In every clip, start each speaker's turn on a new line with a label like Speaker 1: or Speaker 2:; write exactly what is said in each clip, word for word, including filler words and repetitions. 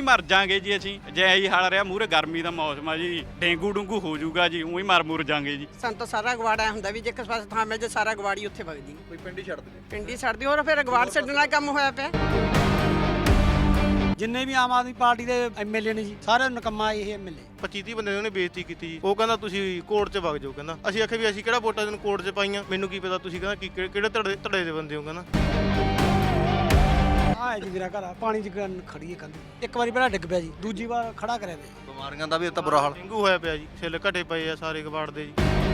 Speaker 1: ਮਰ ਜਾਾਂਗੇ ਜੀ ਅਸੀਂ ਜੇ ਇਹੀ ਹਾਲ ਰਿਹਾ ਮੂਹਰੇ ਗਰਮੀ ਦਾ ਮੌਸਮ ਆ ਜੀ ਡੇਂਗੂ ਡੂੰਗੂ ਹੋ ਜਾਊਗਾ ਜੀ ਉਹੀ ਮਰ ਮੁਰ ਜਾਾਂਗੇ ਜੀ।
Speaker 2: ਸਾਨੂੰ ਤਾਂ ਸਾਰਾ ਗਵਾੜਾ ਹੁੰਦਾ ਵੀ ਜੇ ਕਿਸੇ ਪਾਸੇ ਥਾਂ ਮਿਲ ਜੇ ਸਾਰਾ ਗਵਾੜੀ ਉੱਥੇ ਵਗਦੀ
Speaker 3: ਕੋਈ ਪਿੰਡ ਹੀ ਛੱਡ ਦੇ
Speaker 2: ਪਿੰਡੀ ਛੱਡਦੀ ਹੋਰ ਫਿਰ ਗਵਾੜ ਛੱਡਣ ਵਾਲਾ ਕੰਮ ਹੋਇਆ ਪਿਆ।
Speaker 4: ਜਿੰਨੇ ਵੀ ਆਮ ਆਦਮੀ ਪਾਰਟੀ ਦੇ ਐਮਐਲਏ ਨੇ ਜੀ ਸਾਰੇ ਨਕੰਮਾ ਇਹ ਐਮਐਲਏ
Speaker 3: ਪੱਚੀ ਤੀਹ ਬੰਦੇ ਨੇ ਉਹਨੇ ਬੇਇੱਜ਼ਤੀ ਕੀਤੀ ਜੀ। ਉਹ ਕਹਿੰਦਾ ਤੁਸੀਂ ਕੋਰਟ 'ਚ ਵਗ ਜਾਓ, ਕਹਿੰਦਾ ਅਸੀਂ ਆਖਿਆ ਵੀ ਅਸੀਂ ਕਿਹੜਾ ਵੋਟਾਂ ਤੈਨੂੰ ਕੋਰਟ 'ਚ ਪਾਈਆਂ, ਮੈਨੂੰ ਕੀ ਪਤਾ ਤੁਸੀਂ ਕਹਿੰਦਾ ਕਿ ਕਿਹੜੇ ਧੜੇ ਧੜੇ ਦੇ ਬੰਦੇ ਹੋ, ਕਹਿੰਦਾ
Speaker 4: ਆਹ ਜੀ ਮੇਰਾ ਘਰ ਆ ਪਾਣੀ 'ਚ ਗੰਨ ਖੜੀ ਹੈ ਕੰਧ ਇੱਕ ਵਾਰੀ ਪਹਿਲਾਂ ਡਿੱਗ ਪਿਆ ਜੀ ਦੂਜੀ ਵਾਰ ਖੜਾ ਕਰਿਆ ਤੇ
Speaker 3: ਬਿਮਾਰੀਆਂ ਦਾ ਵੀ ਤਾਂ ਬੁਰਾ ਹਾਲ ਡੇਂਗੂ ਹੋਇਆ ਪਿਆ ਜੀ, ਛਿੱਲ ਘਟੇ ਪਏ ਆ ਸਾਰੇ ਕਬਾੜ ਦੇ ਜੀ।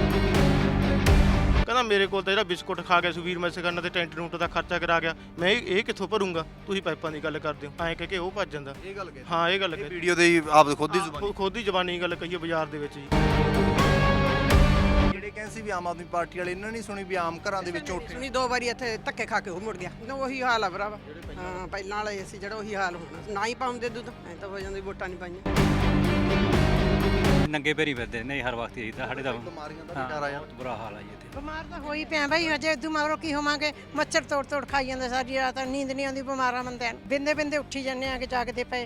Speaker 3: ਕਹਿੰਦਾ ਮੇਰੇ ਕੋਲ ਤਾਂ ਜਿਹੜਾ ਬਿਸਕੁਟ ਖਾ ਗਿਆ ਸੁਵੀਰ ਮੈਸਗਨ ਤੇ ਟੈਂਟ ਰੂਟ ਦਾ ਖਰਚਾ ਕਰਾ ਗਿਆ, ਮੈਂ ਇਹ ਕਿੱਥੋਂ ਭਰੂੰਗਾ, ਤੁਸੀਂ ਪਾਈਪਾਂ ਦੀ ਗੱਲ ਕਰਦੇ ਹੋ ਐਂ ਕਹਿ ਕੇ ਉਹ ਭੱਜ ਜਾਂਦਾ। ਇਹ ਗੱਲ ਕਹੀ ਹਾਂ ਇਹ ਗੱਲ ਕਹੀ
Speaker 5: ਵੀਡੀਓ ਦੇ ਆਪ ਖੁਦ ਦੀ ਜ਼ੁਬਾਨੀ
Speaker 3: ਖੁਦ ਦੀ ਜ਼ਬਾਨੀ ਗੱਲ ਕਹੀਏ ਬਾਜ਼ਾਰ ਦੇ ਵਿੱਚ ਜੀ।
Speaker 5: ਜਿਹੜੇ ਕਹਿੰਦੇ ਸੀ ਵੀ ਆਮ ਆਦਮੀ ਪਾਰਟੀ ਵਾਲੇ ਇਹਨਾਂ ਨਹੀਂ ਸੁਣੀ ਵੀ ਆਮ ਘਰਾਂ ਦੇ ਵਿੱਚ ਉੱਠੇ
Speaker 2: ਸੁਣੀ ਦੋ ਵਾਰੀ ਇੱਥੇ ਧੱਕੇ ਖਾ ਕੇ ਉਹ ਮੁੜ ਗਿਆ ਨਾ ਉਹੀ ਹਾਲ ਆ ਭਰਾਵਾ। ਹਾਂ ਪਹਿਲਾਂ ਵਾਲੇ ਸੀ ਜਿਹੜਾ ਉਹੀ ਹਾਲ ਹੋਣਾ ਨਾ ਹੀ ਪਾਉਂਦੇ ਦੁੱਧ ਐ ਤਾਂ ਹੋ ਜਾਂਦੀ ਵੋਟਾਂ ਨਹੀਂ ਪਾਈਆਂ।
Speaker 6: ਨੰਗੇ ਪੈਰੀ ਫਿਰਦੇ ਨੇ ਹਰ ਵਕਤ ਇਹੀ ਤਾਂ ਸਾਡੇ ਦਾ
Speaker 5: ਬਿਮਾਰੀਆਂ ਦਾ ਡਰ ਆਇਆ
Speaker 6: ਬਹੁਤ ਬੁਰਾ ਹਾਲ ਆ ਜੀ ਇੱਥੇ।
Speaker 7: ਬਿਮਾਰ ਤਾਂ ਹੋਈ ਪਿਆ ਬਈ ਹਜੇ ਇਦੋਂ ਮਗਰੋਂ ਕੀ ਹੋਵਾਂਗੇ। ਮੱਛਰ ਤੋੜ ਤੋੜ ਖਾਈ ਜਾਂਦੇ ਸਾਰੀ ਰਾਤ ਨੀਂਦ ਨਹੀਂ ਆਉਂਦੀ ਬਿਮਾਰਾਂ ਬੰਦਿਆਂ ਨੂੰ ਬਿੰਦੇ ਬਿੰਦੇ ਉੱਠੀ ਜਾਂਦੇ ਆ ਕਿ ਜਾਗਦੇ ਪਏ।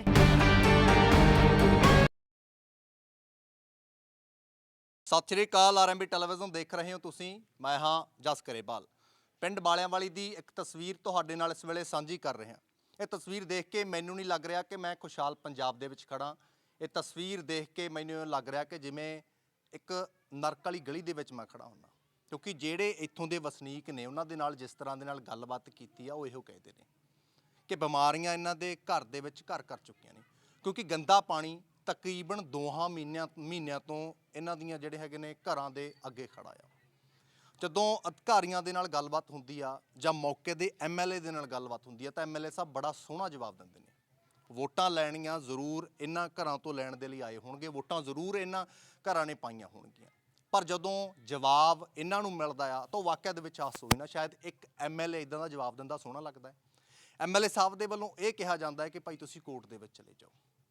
Speaker 5: ਸਤਿ ਸ਼੍ਰੀ ਅਕਾਲ ਆਰਐਮਬੀ ਟੈਲੀਵਿਜ਼ਨ ਦੇਖ ਰਹੇ ਹੋ ਤੁਸੀਂ, ਮੈਂ ਹਾਂ ਜਸ ਕਰੇਵਾਲ। ਪਿੰਡ ਬਾਲਿਆਂ ਵਾਲੀ ਦੀ ਇੱਕ ਤਸਵੀਰ ਤੁਹਾਡੇ ਨਾਲ ਇਸ ਵੇਲੇ ਸਾਂਝੀ ਕਰ ਰਿਹਾ। ਇਹ ਤਸਵੀਰ ਦੇਖ ਕੇ ਮੈਨੂੰ ਨਹੀਂ ਲੱਗ ਰਿਹਾ ਕਿ ਮੈਂ ਖੁਸ਼ਹਾਲ ਪੰਜਾਬ ਦੇ ਵਿੱਚ ਖੜਾ। ਇਹ ਤਸਵੀਰ ਦੇਖ ਕੇ ਮੈਨੂੰ ਲੱਗ ਰਿਹਾ ਕਿ ਜਿਵੇਂ ਇੱਕ ਨਰਕ ਵਾਲੀ ਗਲੀ ਦੇ ਵਿੱਚ ਮੈਂ ਖੜਾ ਹੁੰਦਾ, ਕਿਉਂਕਿ ਜਿਹੜੇ ਇੱਥੋਂ ਦੇ ਵਸਨੀਕ ਨੇ ਉਹਨਾਂ ਦੇ ਨਾਲ ਜਿਸ ਤਰ੍ਹਾਂ ਦੇ ਨਾਲ ਗੱਲਬਾਤ ਕੀਤੀ ਆ ਉਹ ਇਹੋ ਕਹਿੰਦੇ ਨੇ ਕਿ ਬਿਮਾਰੀਆਂ ਇਹਨਾਂ ਦੇ ਘਰ ਦੇ ਵਿੱਚ ਘਰ ਕਰ ਚੁੱਕੀਆਂ ਨੇ, ਕਿਉਂਕਿ ਗੰਦਾ ਪਾਣੀ ਤਕਰੀਬਨ ਦੋਹਾਂ ਮਹੀਨਿਆਂ ਮਹੀਨਿਆਂ ਤੋਂ ਇਹਨਾਂ ਦੀਆਂ ਜਿਹੜੇ ਹੈਗੇ ਨੇ ਘਰਾਂ ਦੇ ਅੱਗੇ ਖੜਾ ਆ। ਜਦੋਂ ਅਧਿਕਾਰੀਆਂ ਦੇ ਨਾਲ ਗੱਲਬਾਤ ਹੁੰਦੀ ਆ ਜਾਂ ਮੌਕੇ ਦੇ ਐਮਐਲਏ ਦੇ ਨਾਲ ਗੱਲਬਾਤ ਹੁੰਦੀ ਆ ਤਾਂ ਐਮਐਲਏ ਸਾਹਿਬ ਬੜਾ ਸੋਹਣਾ ਜਵਾਬ ਦਿੰਦੇ ਨੇ। ਵੋਟਾਂ ਲੈਣੀਆਂ ਜ਼ਰੂਰ ਇਹਨਾਂ ਘਰਾਂ ਤੋਂ ਲੈਣ ਦੇ ਲਈ ਆਏ ਹੋਣਗੇ, ਵੋਟਾਂ ਜ਼ਰੂਰ ਇਹਨਾਂ ਘਰਾਂ ਨੇ ਪਾਈਆਂ ਹੋਣਗੀਆਂ, ਪਰ ਜਦੋਂ ਜਵਾਬ ਇਹਨਾਂ ਨੂੰ ਮਿਲਦਾ ਆ ਤਾਂ ਵਾਕਿਆ ਦੇ ਵਿੱਚ ਹਾਸ ਹੋਈ ਨਾ ਸ਼ਾਇਦ ਇੱਕ ਐਮਐਲਏ ਇਦਾਂ ਦਾ ਜਵਾਬ ਦਿੰਦਾ ਸੋਹਣਾ ਲੱਗਦਾ ਹੈ। ਐਮਐਲਏ ਸਾਹਿਬ ਦੇ ਵੱਲੋਂ ਇਹ ਕਿਹਾ ਜਾਂਦਾ ਹੈ ਕਿ ਭਾਈ ਤੁਸੀਂ ਕੋਰਟ ਦੇ ਵਿੱਚ ਚਲੇ ਜਾਓ।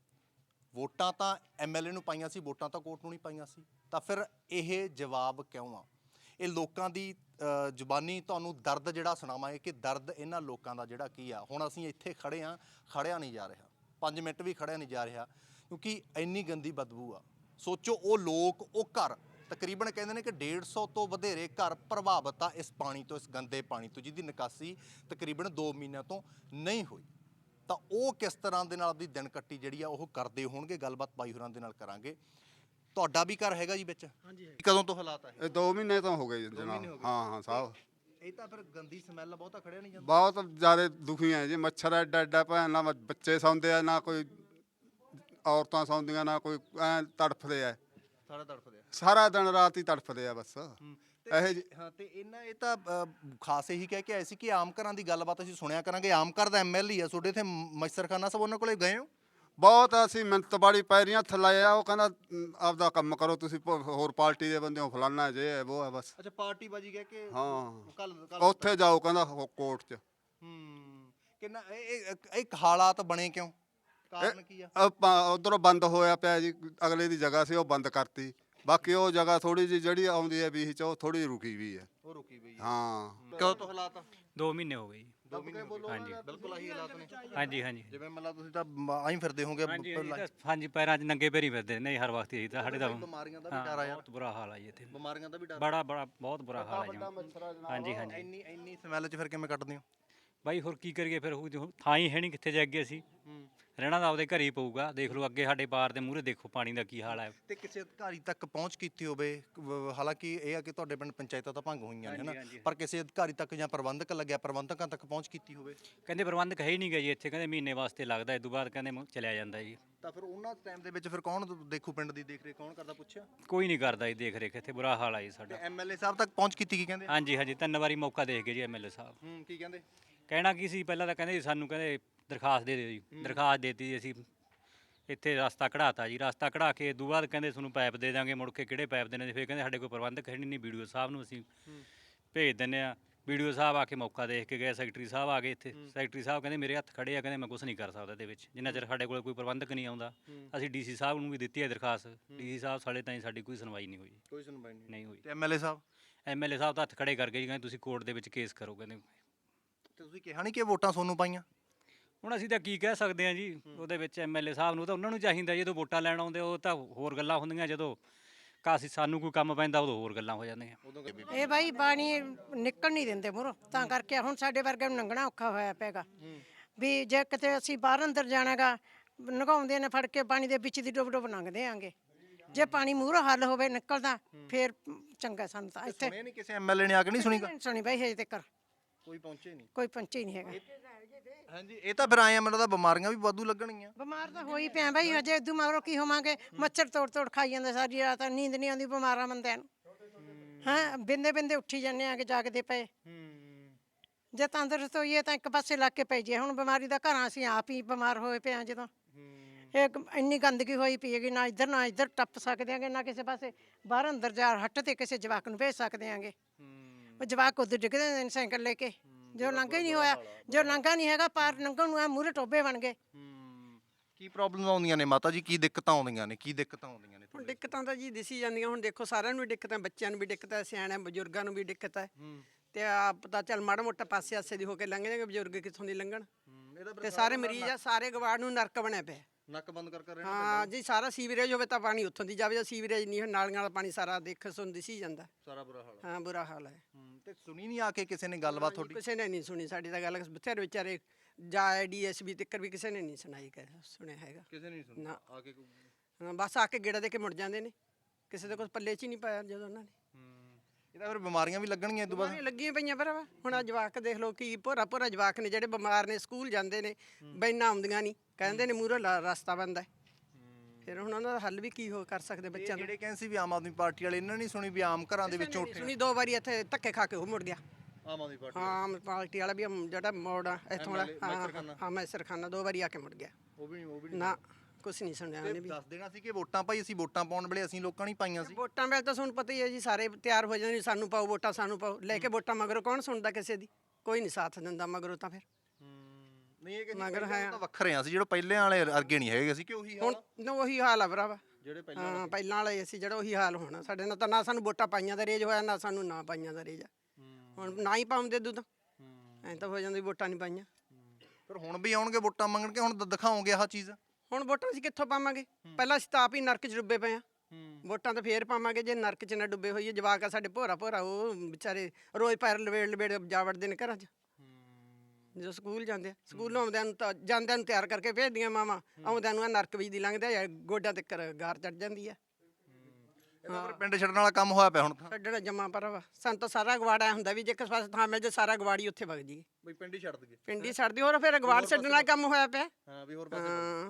Speaker 5: ਵੋਟਾਂ ਤਾਂ ਐਮਐਲਏ ਨੂੰ ਪਾਈਆਂ ਸੀ, ਵੋਟਾਂ ਤਾਂ ਕੋਰਟ ਨੂੰ ਨਹੀਂ ਪਾਈਆਂ ਸੀ, ਤਾਂ ਫਿਰ ਇਹ ਜਵਾਬ ਕਿਉਂ ਆ? ਇਹ ਲੋਕਾਂ ਦੀ ਜ਼ੁਬਾਨੀ ਤੁਹਾਨੂੰ ਦਰਦ ਜਿਹੜਾ ਸੁਣਾਵਾਂਗੇ ਕਿ ਦਰਦ ਇਹਨਾਂ ਲੋਕਾਂ ਦਾ ਜਿਹੜਾ ਕੀ ਆ। ਹੁਣ ਅਸੀਂ ਇੱਥੇ ਖੜੇ ਹਾਂ, ਖੜਿਆ ਨਹੀਂ ਜਾ ਰਿਹਾ, ਪੰਜ ਮਿੰਟ ਵੀ ਖੜਿਆ ਨਹੀਂ ਜਾ ਰਿਹਾ ਕਿਉਂਕਿ ਇੰਨੀ ਗੰਦੀ ਬਦਬੂ ਆ। ਸੋਚੋ ਉਹ ਲੋਕ, ਉਹ ਘਰ ਤਕਰੀਬਨ ਕਹਿੰਦੇ ਨੇ ਕਿ ਡੇਢ ਸੌ ਤੋਂ ਵਧੇਰੇ ਘਰ ਪ੍ਰਭਾਵਿਤ ਆ ਇਸ ਪਾਣੀ ਤੋਂ, ਇਸ ਗੰਦੇ ਪਾਣੀ ਤੋਂ, ਜਿਹਦੀ ਨਿਕਾਸੀ ਤਕਰੀਬਨ ਦੋ ਮਹੀਨਿਆਂ ਤੋਂ ਨਹੀਂ ਹੋਈ। ਤਾਂ ਉਹ ਕਿਸ ਤਰ੍ਹਾਂ ਦੇ ਨਾਲ ਆਪਣੀ ਦਿਨ ਕੱਟੀ ਜਿਹੜੀ ਆ ਉਹ ਕਰਦੇ ਹੋਣਗੇ, ਗੱਲਬਾਤ ਬਾਈ ਹੋਰਾਂ ਦੇ ਨਾਲ ਕਰਾਂਗੇ। ਤੁਹਾਡਾ ਵੀ ਘਰ ਹੈਗਾ ਜੀ ਵਿੱਚ? ਹਾਂਜੀ। ਕਦੋਂ ਤੋਂ ਹਾਲਾਤ ਆ
Speaker 8: ਇਹ ਦੋ ਮਹੀਨੇ ਤੋਂ ਹੋ ਗਏ ਜੀ ਜਨਾਬ। ਹਾਂ ਹਾਂ ਸਾਹਿਬ
Speaker 5: ਇਹ ਤਾਂ ਫਿਰ ਗੰਦੀ ਸਮੈਲ ਬਹੁਤਾ ਖੜਿਆ ਨਹੀਂ ਜਾਂਦਾ।
Speaker 8: ਬਹੁਤ ਜ਼ਿਆਦਾ ਦੁਖੀ ਹੈ ਜੀ। ਮੱਛਰ ਐਡਾ ਐਡਾ ਭੈਣ ਨਾ ਬੱਚੇ ਸੌਂਦੇ ਆ, ਨਾ ਕੋਈ ਔਰਤਾਂ ਸੌਂਦੀਆਂ, ਨਾ ਕੋਈ ਐ ਤੜਫਦੇ ਆ,
Speaker 5: ਸਾਰਾ ਤੜਫਦੇ ਆ,
Speaker 8: ਸਾਰਾ ਦਿਨ ਰਾਤ ਹੀ ਤੜਫਦੇ ਆ ਬਸ ਇਹ ਜੀ।
Speaker 5: ਹਾਂ ਤੇ ਇਹਨਾਂ ਇਹ ਤਾਂ ਖਾਸ ਇਹੀ ਕਹਿ ਕੇ ਆਏ ਸੀ ਕਿ ਆਮ ਘਰਾਂ ਦੀ ਗੱਲਬਾਤ ਅਸੀਂ ਸੁਣਿਆ ਕਰਾਂਗੇ। ਆਮ ਘਰ ਦਾ ਐਮਐਲਏ ਆ ਤੁਹਾਡੇ ਇੱਥੇ ਮੱਛਰਖਾਨਾ ਸਭ, ਉਹਨਾਂ ਕੋਲੇ ਗਏ ਹੋ?
Speaker 8: ਬਹੁਤ ਅਸੀਂ ਮਿੰਤ ਬਾੜੀ ਪੈਰੀਆਂ ਥੱਲੇ ਆ। ਉਹ ਕਹਿੰਦਾ ਆਪਦਾ ਕੰਮ ਕਰੋ ਤੁਸੀਂ, ਹੋਰ ਪਾਰਟੀ ਦੇ ਬੰਦੇ ਹੋ, ਫਲਾਨਾ ਜੇ ਹੈ ਉਹ ਹੈ ਬਸ।
Speaker 5: ਅੱਛਾ ਪਾਰਟੀ ਬਾਜੀ ਕਹਿ ਕੇ
Speaker 8: ਹਾਂ
Speaker 5: ਕੱਲ
Speaker 8: ਉੱਥੇ ਜਾਓ ਕਹਿੰਦਾ ਕੋਰਟ 'ਚ।
Speaker 5: ਹੂੰ ਕਿੰਨਾ ਇਹ ਇਹ ਹਾਲਾਤ ਬਣੇ ਕਿਉਂ, ਕਾਰਨ ਕੀ ਆ?
Speaker 8: ਉਧਰੋਂ ਬੰਦ ਹੋਇਆ ਪਿਆ ਜੀ, ਅਗਲੇ ਦੀ ਜਗ੍ਹਾ ਸੀ ਉਹ ਬੰਦ ਕਰਤੀ। ਬਾਕੀ ਉਹ ਜਗ੍ਹਾ ਥੋੜੀ ਜਿਹੀ ਜਿਹੜੀ ਆਉਂਦੀ ਹੈ ਵੀਹ ਚ ਉਹ ਥੋੜੀ ਰੁਕੀ ਵੀ ਹੈ।
Speaker 5: ਉਹ ਰੁਕੀ ਵੀ ਹੈ।
Speaker 8: ਹਾਂ
Speaker 5: ਕਦੋਂ ਤੋਂ ਹਾਲਾਤ?
Speaker 6: ਦੋ ਮਹੀਨੇ ਹੋ ਗਏ ਜੀ।
Speaker 5: ਦੋ ਮਹੀਨੇ
Speaker 6: ਹਾਂਜੀ
Speaker 5: ਬਿਲਕੁਲ ਆਹੀ ਹਾਲਾਤ ਨੇ।
Speaker 6: ਹਾਂਜੀ ਹਾਂਜੀ
Speaker 5: ਜਿਵੇਂ ਮਤਲਬ ਤੁਸੀਂ ਤਾਂ ਆਈ ਫਿਰਦੇ ਹੋਗੇ।
Speaker 6: ਹਾਂਜੀ ਇਹ ਤਾਂ ਹਾਂਜੀ ਪੈਰਾਂ 'ਚ ਨੰਗੇ ਪੈਰੀ ਫਿਰਦੇ ਨੇ ਹਰ ਵਕਤ ਇਹੀ ਤਾਂ ਸਾਡੇ ਦਾ
Speaker 5: ਬਿਮਾਰੀਆਂ ਦਾ ਵੀ ਡਰ ਆ ਯਾਰ।
Speaker 6: ਬਹੁਤ ਬੁਰਾ ਹਾਲ ਆ ਜੀ ਇੱਥੇ,
Speaker 5: ਬਿਮਾਰੀਆਂ ਦਾ ਵੀ ਡਰ
Speaker 6: ਬੜਾ ਬੜਾ ਬਹੁਤ ਬੁਰਾ ਹਾਲ ਆ ਜੀ। ਹਾਂਜੀ ਹਾਂਜੀ
Speaker 5: ਇੰਨੀ ਇੰਨੀ ਸਮੈਲ 'ਚ ਫਿਰ ਕਿਵੇਂ ਕੱਢਦੇ ਹੋ
Speaker 6: ਬਾਈ? ਹੋਰ ਕੀ ਕਰੀਏ ਫਿਰ, ਉਹ ਥਾਂ ਹੀ ਹੈ ਨਹੀਂ ਕਿੱਥੇ ਜਾ ਅੱਗੇ ਅਸੀਂ ਰਹਿਣਾ ਤਾਂ ਆਪਦੇ ਘਰ ਹੀ ਪਊਗਾ। ਦੇਖ ਲਓ ਅੱਗੇ ਸਾਡੇ ਬਾਰ ਦੇ ਮੂਹਰੇ ਦੇਖੋ ਪਾਣੀ ਦਾ ਕੀ ਹਾਲ ਹੈ।
Speaker 5: ਤੇ ਕਿਸੇ ਅਧਿਕਾਰੀ ਤੱਕ ਪਹੁੰਚ ਕੀਤੀ ਹੋਵੇ? ਹਾਲਾਂਕਿ ਇਹ ਆ ਕਿ ਤੁਹਾਡੇ ਪਿੰਡ ਪੰਚਾਇਤਾਂ ਤਾਂ ਭੰਗ ਹੋਈਆਂ ਨੇ ਹਨਾ, ਪਰ ਕਿਸੇ ਅਧਿਕਾਰੀ ਤੱਕ ਜਾਂ ਪ੍ਰਬੰਧਕ ਲੱਗਿਆ, ਪ੍ਰਬੰਧਕਾਂ ਤੱਕ ਪਹੁੰਚ ਕੀਤੀ ਹੋਵੇ?
Speaker 6: ਕਹਿੰਦੇ ਪ੍ਰਬੰਧਕ ਹੈ ਹੀ ਨਹੀਂ ਗਾ ਜੀ ਇੱਥੇ, ਕਹਿੰਦੇ ਮਹੀਨੇ ਵਾਸਤੇ ਲੱਗਦਾ, ਇਸ ਤੋਂ ਬਾਅਦ ਕਹਿੰਦੇ ਚਲਿਆ ਜਾਂਦਾ ਜੀ।
Speaker 5: ਤਾਂ ਫਿਰ ਉਹਨਾਂ ਟਾਈਮ ਦੇ ਵਿੱਚ ਫਿਰ ਕੌਣ ਦੇਖੂ ਪਿੰਡ ਦੀ ਦੇਖ ਰੇਖ ਕੌਣ ਕਰਦਾ, ਪੁੱਛਿਆ?
Speaker 6: ਕੋਈ ਨਹੀਂ ਕਰਦਾ ਜੀ ਦੇਖ ਰੇਖ, ਇੱਥੇ ਬੁਰਾ ਹਾਲ ਆ ਜੀ ਸਾਡਾ।
Speaker 5: ਐਮਐਲਏ ਸਾਹਿਬ ਤੱਕ ਪਹੁੰਚ ਕੀਤੀ ਕੀ ਕਹਿੰਦੇ?
Speaker 6: ਹਾਂਜੀ ਹਾਂਜੀ ਤਿੰਨ ਵਾਰੀ ਮੌਕਾ ਦੇਖ ਗਏ ਜੀ ਐਮਐਲਏ ਸਾਹਿਬ।
Speaker 5: ਹੂੰ ਕੀ ਕਹਿੰਦੇ?
Speaker 6: ਕਹਿਣਾ ਕੀ ਸੀ, ਪਹਿਲਾਂ ਤਾਂ ਕਹਿੰਦੇ ਸਾਨੂੰ ਕਹਿੰਦੇ ਦਰਖਾਸਤ ਦੇ ਦਿਓ ਜੀ, ਦਰਖਾਸਤ ਦੇਤੀ ਜੀ ਅਸੀਂ ਇੱਥੇ ਰਸਤਾ ਕਢਾਤਾ ਜੀ। ਰਸਤਾ ਕਢਾ ਕੇ ਉਦੋਂ ਬਾਅਦ ਕਹਿੰਦੇ ਤੁਹਾਨੂੰ ਪਾਈਪ ਦੇ ਦਾਂਗੇ, ਮੁੜ ਕੇ ਕਿਹੜੇ ਪਾਈਪ ਦੇਣੇ? ਫਿਰ ਕਹਿੰਦੇ ਸਾਡੇ ਕੋਲ ਪ੍ਰਬੰਧਕ ਹੈ ਨਹੀਂ, ਵੀਡੀਓ ਸਾਹਿਬ ਨੂੰ ਅਸੀਂ ਭੇਜ ਦਿੰਦੇ ਹਾਂ। ਵੀਡੀਓ ਸਾਹਿਬ ਆ ਕੇ ਮੌਕਾ ਦੇਖ ਕੇ ਗਏ, ਸੈਕਟਰੀ ਸਾਹਿਬ ਆ ਗਏ ਇੱਥੇ। ਸੈਕਟਰੀ ਸਾਹਿਬ ਕਹਿੰਦੇ ਮੇਰੇ ਹੱਥ ਖੜੇ ਆ, ਕਹਿੰਦੇ ਮੈਂ ਕੁਛ ਨਹੀਂ ਕਰ ਸਕਦਾ ਇਹਦੇ ਵਿੱਚ, ਜਿੰਨਾ ਚਿਰ ਸਾਡੇ ਕੋਲ ਕੋਈ ਪ੍ਰਬੰਧਕ ਨਹੀਂ ਆਉਂਦਾ। ਅਸੀਂ ਡੀਸੀ ਸਾਹਿਬ ਨੂੰ ਵੀ ਦਿੱਤੀ ਹੈ ਦਰਖਾਸਤ, ਡੀਸੀ ਸਾਹਿਬ ਸਾਲੇ ਤਾਈਂ ਸਾਡੀ ਕੋਈ ਸੁਣਵਾਈ ਨਹੀਂ ਹੋਈ।
Speaker 5: ਕੋਈ ਸੁਣਵਾਈ ਨਹੀਂ
Speaker 6: ਨਹੀਂ ਹੋਈ।
Speaker 5: ਤੇ ਐਮਐਲਏ ਸਾਹਿਬ?
Speaker 6: ਐਮਐਲਏ ਸਾਹਿਬ ਤਾਂ ਹੱਥ ਖੜੇ ਕਰ ਗਏ ਜੀ, ਕਹਿੰਦੇ ਤੁਸੀਂ ਕੋਰਟ ਦੇ ਵਿੱਚ ਕੇਸ ਕਰੋ। ਕਹਿੰਦੇ
Speaker 5: ਤੇ ਤੁਸੀਂ ਕਿਹਾ ਨਹੀਂ ਕਿ ਵੋਟਾਂ ਤੁਹਾਨੂੰ ਪਾਈਆਂ?
Speaker 6: ਹੁਣ ਅਸੀਂ ਤਾਂ ਕੀ ਕਹਿ ਸਕਦੇ ਹਾਂ ਜੀ ਉਹਦੇ ਵਿੱਚ ਐਮਐਲਏ ਸਾਹਿਬ ਨੂੰ ਤਾਂ ਉਹਨਾਂ ਨੂੰ ਚਾਹੀਦਾ ਜਦੋਂ ਵੋਟਾਂ ਲੈਣ ਆਉਂਦੇ ਉਹ ਤਾਂ ਹੋਰ ਗੱਲਾਂ ਹੁੰਦੀਆਂ ਜਦੋਂ ਕਾਸੀ ਸਾਨੂੰ ਕੋਈ ਕੰਮ ਪੈਂਦਾ ਉਦੋਂ ਹੋਰ ਗੱਲਾਂ ਹੋ ਜਾਂਦੀਆਂ।
Speaker 7: ਇਹ ਬਾਈ ਪਾਣੀ ਨਿਕਲ ਨਹੀਂ ਦਿੰਦੇ ਮੂਹਰੋਂ, ਤਾਂ ਕਰਕੇ ਹੁਣ ਸਾਡੇ ਵਰਗੇ ਨੂੰ ਲੰਘਣਾ ਔਖਾ ਹੋਇਆ ਪੈਗਾ ਵੀ ਜੇ ਕਿਤੇ ਅਸੀਂ ਬਾਹਰ ਅੰਦਰ ਜਾਣਾਗਾ ਨਗਾਉਂਦੇ ਨੇ ਫੜ ਕੇ ਪਾਣੀ ਦੇ ਵਿੱਚ ਦੀ ਡੁੱਬ ਡੁੱਬ ਲੰਘਦੇ ਆਂਗੇ। ਜੇ ਪਾਣੀ ਮੂਹਰੋਂ ਹੱਲ ਹੋਵੇ ਨਿਕਲਦਾ ਫੇਰ ਚੰਗਾ ਸਾਨੂੰ ਤਾਂ ਇੱਥੇ
Speaker 5: ਸੁਣਿਆ ਨਹੀਂ ਕਿਸੇ ਐਮਐਲਏ ਨੇ ਆ ਕੇ ਨਹੀਂ ਸੁਣੀ
Speaker 7: ਨਹੀਂ ਸੁਣੀ ਬਾਈ ਹਜੇ ਤੱਕ
Speaker 5: ਕੋਈ ਪਹੁੰਚੇ ਨਹੀਂ।
Speaker 7: ਕੋਈ ਪੰਚੇ ਨਹੀਂ ਹੈਗਾ।
Speaker 5: ਹਾਂਜੀ ਇਹ ਤਾਂ ਫਿਰ ਆਏ ਆ ਮੈਨੂੰ ਤਾਂ ਬਿਮਾਰੀਆਂ ਵੀ ਵਾਧੂ ਲੱਗਣਗੀਆਂ।
Speaker 7: ਬਿਮਾਰ ਤਾਂ ਹੋਈ ਪਿਆ ਬਾਈ ਹਜੇ ਇਦੋਂ ਮਗਰੋਂ ਕੀ ਹੋਵਾਂਗੇ। ਮੱਛਰ ਤੋੜ ਤੋੜ ਖਾਈ ਜਾਂਦੇ ਸਾਰੀ ਰਾਤ, ਨੀਂਦ ਨਹੀਂ ਆਉਂਦੀ ਬਿਮਾਰਾਂ ਬੰਦਿਆਂ ਨੂੰ। ਹਾਂ ਬਿੰਦੇ ਬਿੰਦੇ ਉੱਠੀ ਜਾਂਦੇ ਆਗੇ ਜਾਗਦੇ ਪਏ। ਜੇ ਤੰਦਰੁਸਤ ਹੋਈਏ ਤਾਂ ਇੱਕ ਪਾਸੇ ਲੱਗ ਕੇ ਪੈ ਜੇ। ਹੁਣ ਬਿਮਾਰੀ ਦਾ ਘਰਾਂ ਅਸੀਂ ਆਪ ਹੀ ਬਿਮਾਰ ਹੋਏ ਪਏ ਆ ਜਦੋਂ ਇਹ ਇੰਨੀ ਗੰਦਗੀ ਹੋਈ ਪਈ ਹੈਗੀ। ਨਾ ਇੱਧਰ ਨਾ ਇੱਧਰ ਟੱਪ ਸਕਦੇ ਆਂਗੇ, ਨਾ ਕਿਸੇ ਪਾਸੇ ਬਾਹਰ ਅੰਦਰ ਜਾ ਹੱਟ ਤੇ ਕਿਸੇ ਜਵਾਕ ਨੂੰ ਭੇਜ ਸਕਦੇ ਆਂਗੇ। ਉਹ ਜਵਾਕ ਉੱਧਰ ਡਿੱਗਦੇ ਨੇ ਸਾਈਕਲ ਲੈ ਕੇ, ਜੋ ਲੰਘਾ ਹੀ ਨਹੀਂ ਹੋਇਆ, ਜੋ ਲੰਘਾ ਨਹੀਂ ਹੈਗਾ ਪਾਰ ਲੰਘਣ ਨੂੰ ਆ ਮੂਹਰੇ ਟੋਬੇ ਬਣ ਗਏ।
Speaker 5: ਕੀ ਪ੍ਰੋਬਲਮ ਆਉਂਦੀਆਂ ਨੇ ਮਾਤਾ ਜੀ, ਕੀ ਦਿੱਕਤਾਂ ਆਉਂਦੀਆਂ ਨੇ, ਕੀ ਦਿੱਕਤਾਂ ਆਉਂਦੀਆਂ ਨੇ?
Speaker 2: ਹੁਣ ਦਿੱਕਤਾਂ ਤਾਂ ਜੀ ਦਿਸੀ ਜਾਂਦੀਆਂ। ਹੁਣ ਦੇਖੋ ਸਾਰਿਆਂ ਨੂੰ ਵੀ ਦਿੱਕਤ ਹੈ, ਬੱਚਿਆਂ ਨੂੰ ਵੀ ਦਿੱਕਤ ਹੈ, ਸਿਆਣਿਆਂ ਬਜ਼ੁਰਗਾਂ ਨੂੰ ਵੀ ਦਿੱਕਤ ਹੈ। ਤੇ ਆ ਪਤਾ ਚੱਲ ਮਾੜਾ ਮੋਟਾ ਪਾਸੇ ਆਸੇ ਦੀ ਹੋ ਕੇ ਲੰਘ ਜਾਣਗੇ, ਬਜ਼ੁਰਗ ਕਿੱਥੋਂ ਦੀ ਲੰਘਣ। ਤੇ ਸਾਰੇ ਮਰੀਜ਼ ਆ, ਸਾਰੇ ਗਵਾੜ ਨੂੰ ਨਰਕ ਬਣਿਆ ਪਿਆ।
Speaker 5: ਨੱਕ ਬੰਦ ਕਰ ਕਰ
Speaker 2: ਹਾਂ ਜੀ, ਸਾਰਾ ਸੀਵਰੇਜ ਹੋਵੇ ਤਾਂ ਪਾਣੀ ਉੱਥੋਂ ਦੀ ਜਾਵੇ। ਸੀਵਰੇਜ ਨਹੀਂ, ਨਾਲੀਆਂ ਵਾਲਾ ਪਾਣੀ ਸਾਰਾ ਦੇਖ ਸੁਣ ਦਿਸੀ ਜਾਂਦਾ।
Speaker 5: ਸਾਰਾ ਬੁਰਾ ਹਾਲ
Speaker 2: ਹਾਂ ਬੁਰਾ ਹਾਲ ਹੈ।
Speaker 5: ਤੇ ਸੁਣੀ ਨਹੀਂ ਆ ਕੇ ਕਿਸੇ ਨੇ ਗੱਲਬਾਤ ਤੁਹਾਡੀ?
Speaker 2: ਕਿਸੇ ਨੇ ਨਹੀਂ ਸੁਣੀ ਸਾਡੀ ਤਾਂ ਗੱਲ। ਬਥੇਰੇ ਵਿਚਾਰੇ ਜਾ ਡੀਐਸਬੀ ਤੱਕ ਵੀ ਕਿਸੇ ਨੇ ਨਹੀਂ ਸੁਣਾਈ ਕਹਿ ਸੁਣਿਆ ਹੈਗਾ।
Speaker 5: ਕਿਸੇ ਨੇ ਨਹੀਂ ਸੁਣੀ
Speaker 2: ਨਾ
Speaker 5: ਆ ਕੇ?
Speaker 2: ਹਾਂ ਬਸ ਆ ਕੇ ਗੇੜਾ ਦੇ ਕੇ ਮੁੜ ਜਾਂਦੇ ਨੇ। ਕਿਸੇ ਦੇ ਕੁਝ ਪੱਲੇ 'ਚ ਹੀ ਨਹੀਂ ਪਾਇਆ ਜਦੋਂ ਉਹਨਾਂ ਨੇ।
Speaker 5: ਇਹਦਾ ਫਿਰ ਬਿਮਾਰੀਆਂ ਵੀ ਲੱਗਣਗੀਆਂ ਇਹ ਤੋਂ ਬਾਅਦ?
Speaker 2: ਬਿਮਾਰੀਆਂ ਲੱਗੀਆਂ ਪਈਆਂ ਭਰਾਵਾ। ਹੁਣ ਆ ਜਵਾਕ ਦੇਖ ਲਓ ਕੀ ਭੋਰਾ ਭੋਰਾ ਜਵਾਕ ਨੇ ਜਿਹੜੇ ਬਿਮਾਰ ਨੇ, ਸਕੂਲ ਜਾਂਦੇ ਨੇ, ਬੈਨਾਂ ਆਉਂਦੀਆਂ ਨਹੀਂ, ਕਹਿੰਦੇ ਨੇ ਮੂਹਰੋਂ ਰਸਤਾ ਬੰਦ ਹੈ। ਫਿਰ ਹੁਣ ਉਹਨਾਂ ਦਾ ਹੱਲ ਵੀ ਕੀ ਹੋ ਕਰ ਸਕਦੇ ਬੱਚਿਆਂ ਦਾ।
Speaker 5: ਜਿਹੜੇ ਕਹਿੰਦੇ ਸੀ ਵੀ ਆਮ ਆਦਮੀ ਪਾਰਟੀ ਵਾਲੇ, ਇਹਨਾਂ ਨਹੀਂ ਸੁਣੀ ਵੀ ਆਮ ਘਰਾਂ ਦੇ ਵਿੱਚੋਂ ਉੱਠੇ?
Speaker 2: ਸੁਣੀ ਦੋ ਵਾਰੀ ਇੱਥੇ ਧੱਕੇ ਖਾ ਕੇ ਉਹ ਮੁੜ ਗਿਆ।
Speaker 5: ਆਮ ਆਦਮੀ ਪਾਰਟੀ
Speaker 2: ਹਾਂ ਆਮ ਪਾਰਟੀ ਵਾਲਾ ਵੀ ਜਿਹੜਾ ਮੋੜ ਆ ਇੱਥੋਂ ਵਾਲਾ, ਹਾਂ ਹਾਂ ਮੈਸਰਖਾਨਾ ਦੋ ਵਾਰੀ ਆ ਕੇ ਮੁੜ ਗਿਆ।
Speaker 5: ਉਹ ਵੀ ਨਹੀਂ ਉਹ ਵੀ
Speaker 2: ਨਾ ਕੁਛ ਨਹੀਂ ਸੁਣਿਆ ਉਹਨੇ ਵੀ।
Speaker 5: ਦੱਸ ਦੇਣਾ ਸੀ ਕਿ ਵੋਟਾਂ ਭਾਈ ਅਸੀਂ ਵੋਟਾਂ ਪਾਉਣ ਵੇਲੇ ਅਸੀਂ ਲੋਕਾਂ ਨਹੀਂ ਪਾਈਆਂ ਸੀ।
Speaker 2: ਵੋਟਾਂ ਵੇਲੇ ਤਾਂ ਤੁਹਾਨੂੰ ਪਤਾ ਹੀ ਹੈ ਜੀ, ਸਾਰੇ ਤਿਆਰ ਹੋ ਜਾਂਦੇ ਸਾਨੂੰ ਪਾਓ ਵੋਟਾਂ, ਸਾਨੂੰ ਪਾਓ। ਲੈ ਕੇ ਵੋਟਾਂ ਮਗਰੋਂ ਕੌਣ ਸੁਣਦਾ ਕਿਸੇ ਦੀ? ਕੋਈ ਨਹੀਂ ਸਾਥ ਦਿੰਦਾ ਮਗਰੋਂ ਤਾਂ। ਫਿਰ
Speaker 5: ਨਹੀਂ ਇਹ
Speaker 2: ਮਗਰ ਹੈ
Speaker 5: ਤਾਂ ਵੱਖਰੇ ਆ ਸੀ, ਜਿਹੜੇ ਪਹਿਲੇ ਵਾਲੇ ਅਰਗੇ ਨਹੀਂ ਹੈਗੇ ਸੀ ਕਿ ਉਹੀ
Speaker 2: ਹੁਣ ਉਹੀ ਹਾਲ ਆ ਭਰਾਵਾ।
Speaker 5: ਜਿਹੜੇ
Speaker 2: ਹਾਂ ਪਹਿਲਾਂ ਵਾਲੇ ਅਸੀਂ ਜਿਹੜਾ ਉਹੀ ਹਾਲ ਹੋਣਾ ਸਾਡੇ ਨਾਲ। ਤਾਂ ਨਾ ਸਾਨੂੰ ਵੋਟਾਂ ਪਾਈਆਂ ਦਾ ਰੇਜ ਹੋਇਆ, ਨਾ ਸਾਨੂੰ ਨਾ ਪਾਈਆਂ ਦਾ ਰੇਜ ਆ। ਹੁਣ ਨਾ ਹੀ ਪਾਉਂਦੇ ਦੁੱਧ ਐਂ ਤਾਂ ਹੋ ਜਾਂਦੀ ਵੋਟਾਂ ਨਹੀਂ ਪਾਈਆਂ।
Speaker 5: ਫਿਰ ਹੁਣ ਵੀ ਆਉਣਗੇ ਵੋਟਾਂ ਮੰਗਣ ਕੇ? ਹੁਣ ਦਿਖਾਓਗੇ ਆਹ ਚੀਜ਼?
Speaker 2: ਹੁਣ ਵੋਟਾਂ ਅਸੀਂ ਕਿੱਥੋਂ ਪਾਵਾਂਗੇ? ਪਹਿਲਾਂ ਅਸੀਂ ਤਾਂ ਆਪ ਹੀ ਨਰਕ 'ਚ ਡੁੱਬੇ ਪਏ ਆ। ਵੋਟਾਂ ਤਾਂ ਫੇਰ ਪਾਵਾਂਗੇ ਜੇ ਨਰਕ 'ਚ ਨਾ ਡੁੱਬੇ ਹੋਈਏ। ਜਵਾਕ ਆ ਸਾਡੇ ਭੋਰਾ ਭੋਰਾ, ਉਹ ਵਿਚਾਰੇ ਰੋਜ਼ ਪੈਰ ਲਵੇੜ ਲਵੇੜ ਜਾ ਵੜਦੇ ਨੇ ਘਰਾਂ 'ਚ ਜਦੋਂ ਸਕੂਲ ਜਾਂਦੇ ਆ। ਸਕੂਲੋਂ ਆਉਂਦਿਆਂ ਨੂੰ ਤਾਂ ਜਾਂਦਿਆਂ ਨੂੰ ਤਿਆਰ ਕਰਕੇ ਭੇਜਦੀਆਂ ਮਾਵਾਂ, ਆਉਂਦਿਆਂ ਨੂੰ ਆ ਨਰਕ ਵਿੱਚ ਦੀ ਲੰਘਦੇ ਆ, ਗੋਡਿਆਂ ਤੇ ਗਾਰ ਚੜ ਜਾਂਦੀ ਆ।
Speaker 5: ਇਹਦਾ ਫਿਰ ਪਿੰਡ ਛੱਡਣ ਵਾਲਾ ਕੰਮ ਹੋਇਆ ਪਿਆ ਹੁਣ ਤਾਂ।
Speaker 2: ਛੱਡਣਾ ਜਮਾ ਭਰਾਵਾ। ਸਾਨੂੰ ਤਾਂ ਸਾਰਾ ਗਵਾੜਾ ਹੁੰਦਾ ਵੀ ਜੇ ਕਿਸੇ ਪਾਸੇ ਥਾਂ ਮਿਲ ਜੇ ਸਾਰਾ ਗਵਾੜੀ ਉੱਥੇ ਵਗ ਜੀ।
Speaker 5: ਬਈ ਪਿੰਡ ਹੀ ਛੱਡ ਦਈਏ?
Speaker 2: ਪਿੰਡੀ ਛੱਡਦੀ ਹੋਰ ਫਿਰ ਗਵਾੜ ਛੱਡਣ ਵਾਲਾ ਕੰਮ ਹੋਇਆ ਪਿਆ।
Speaker 5: ਹਾਂ ਵੀ ਹੋਰ ਪਾਸੇ
Speaker 2: ਹਾਂ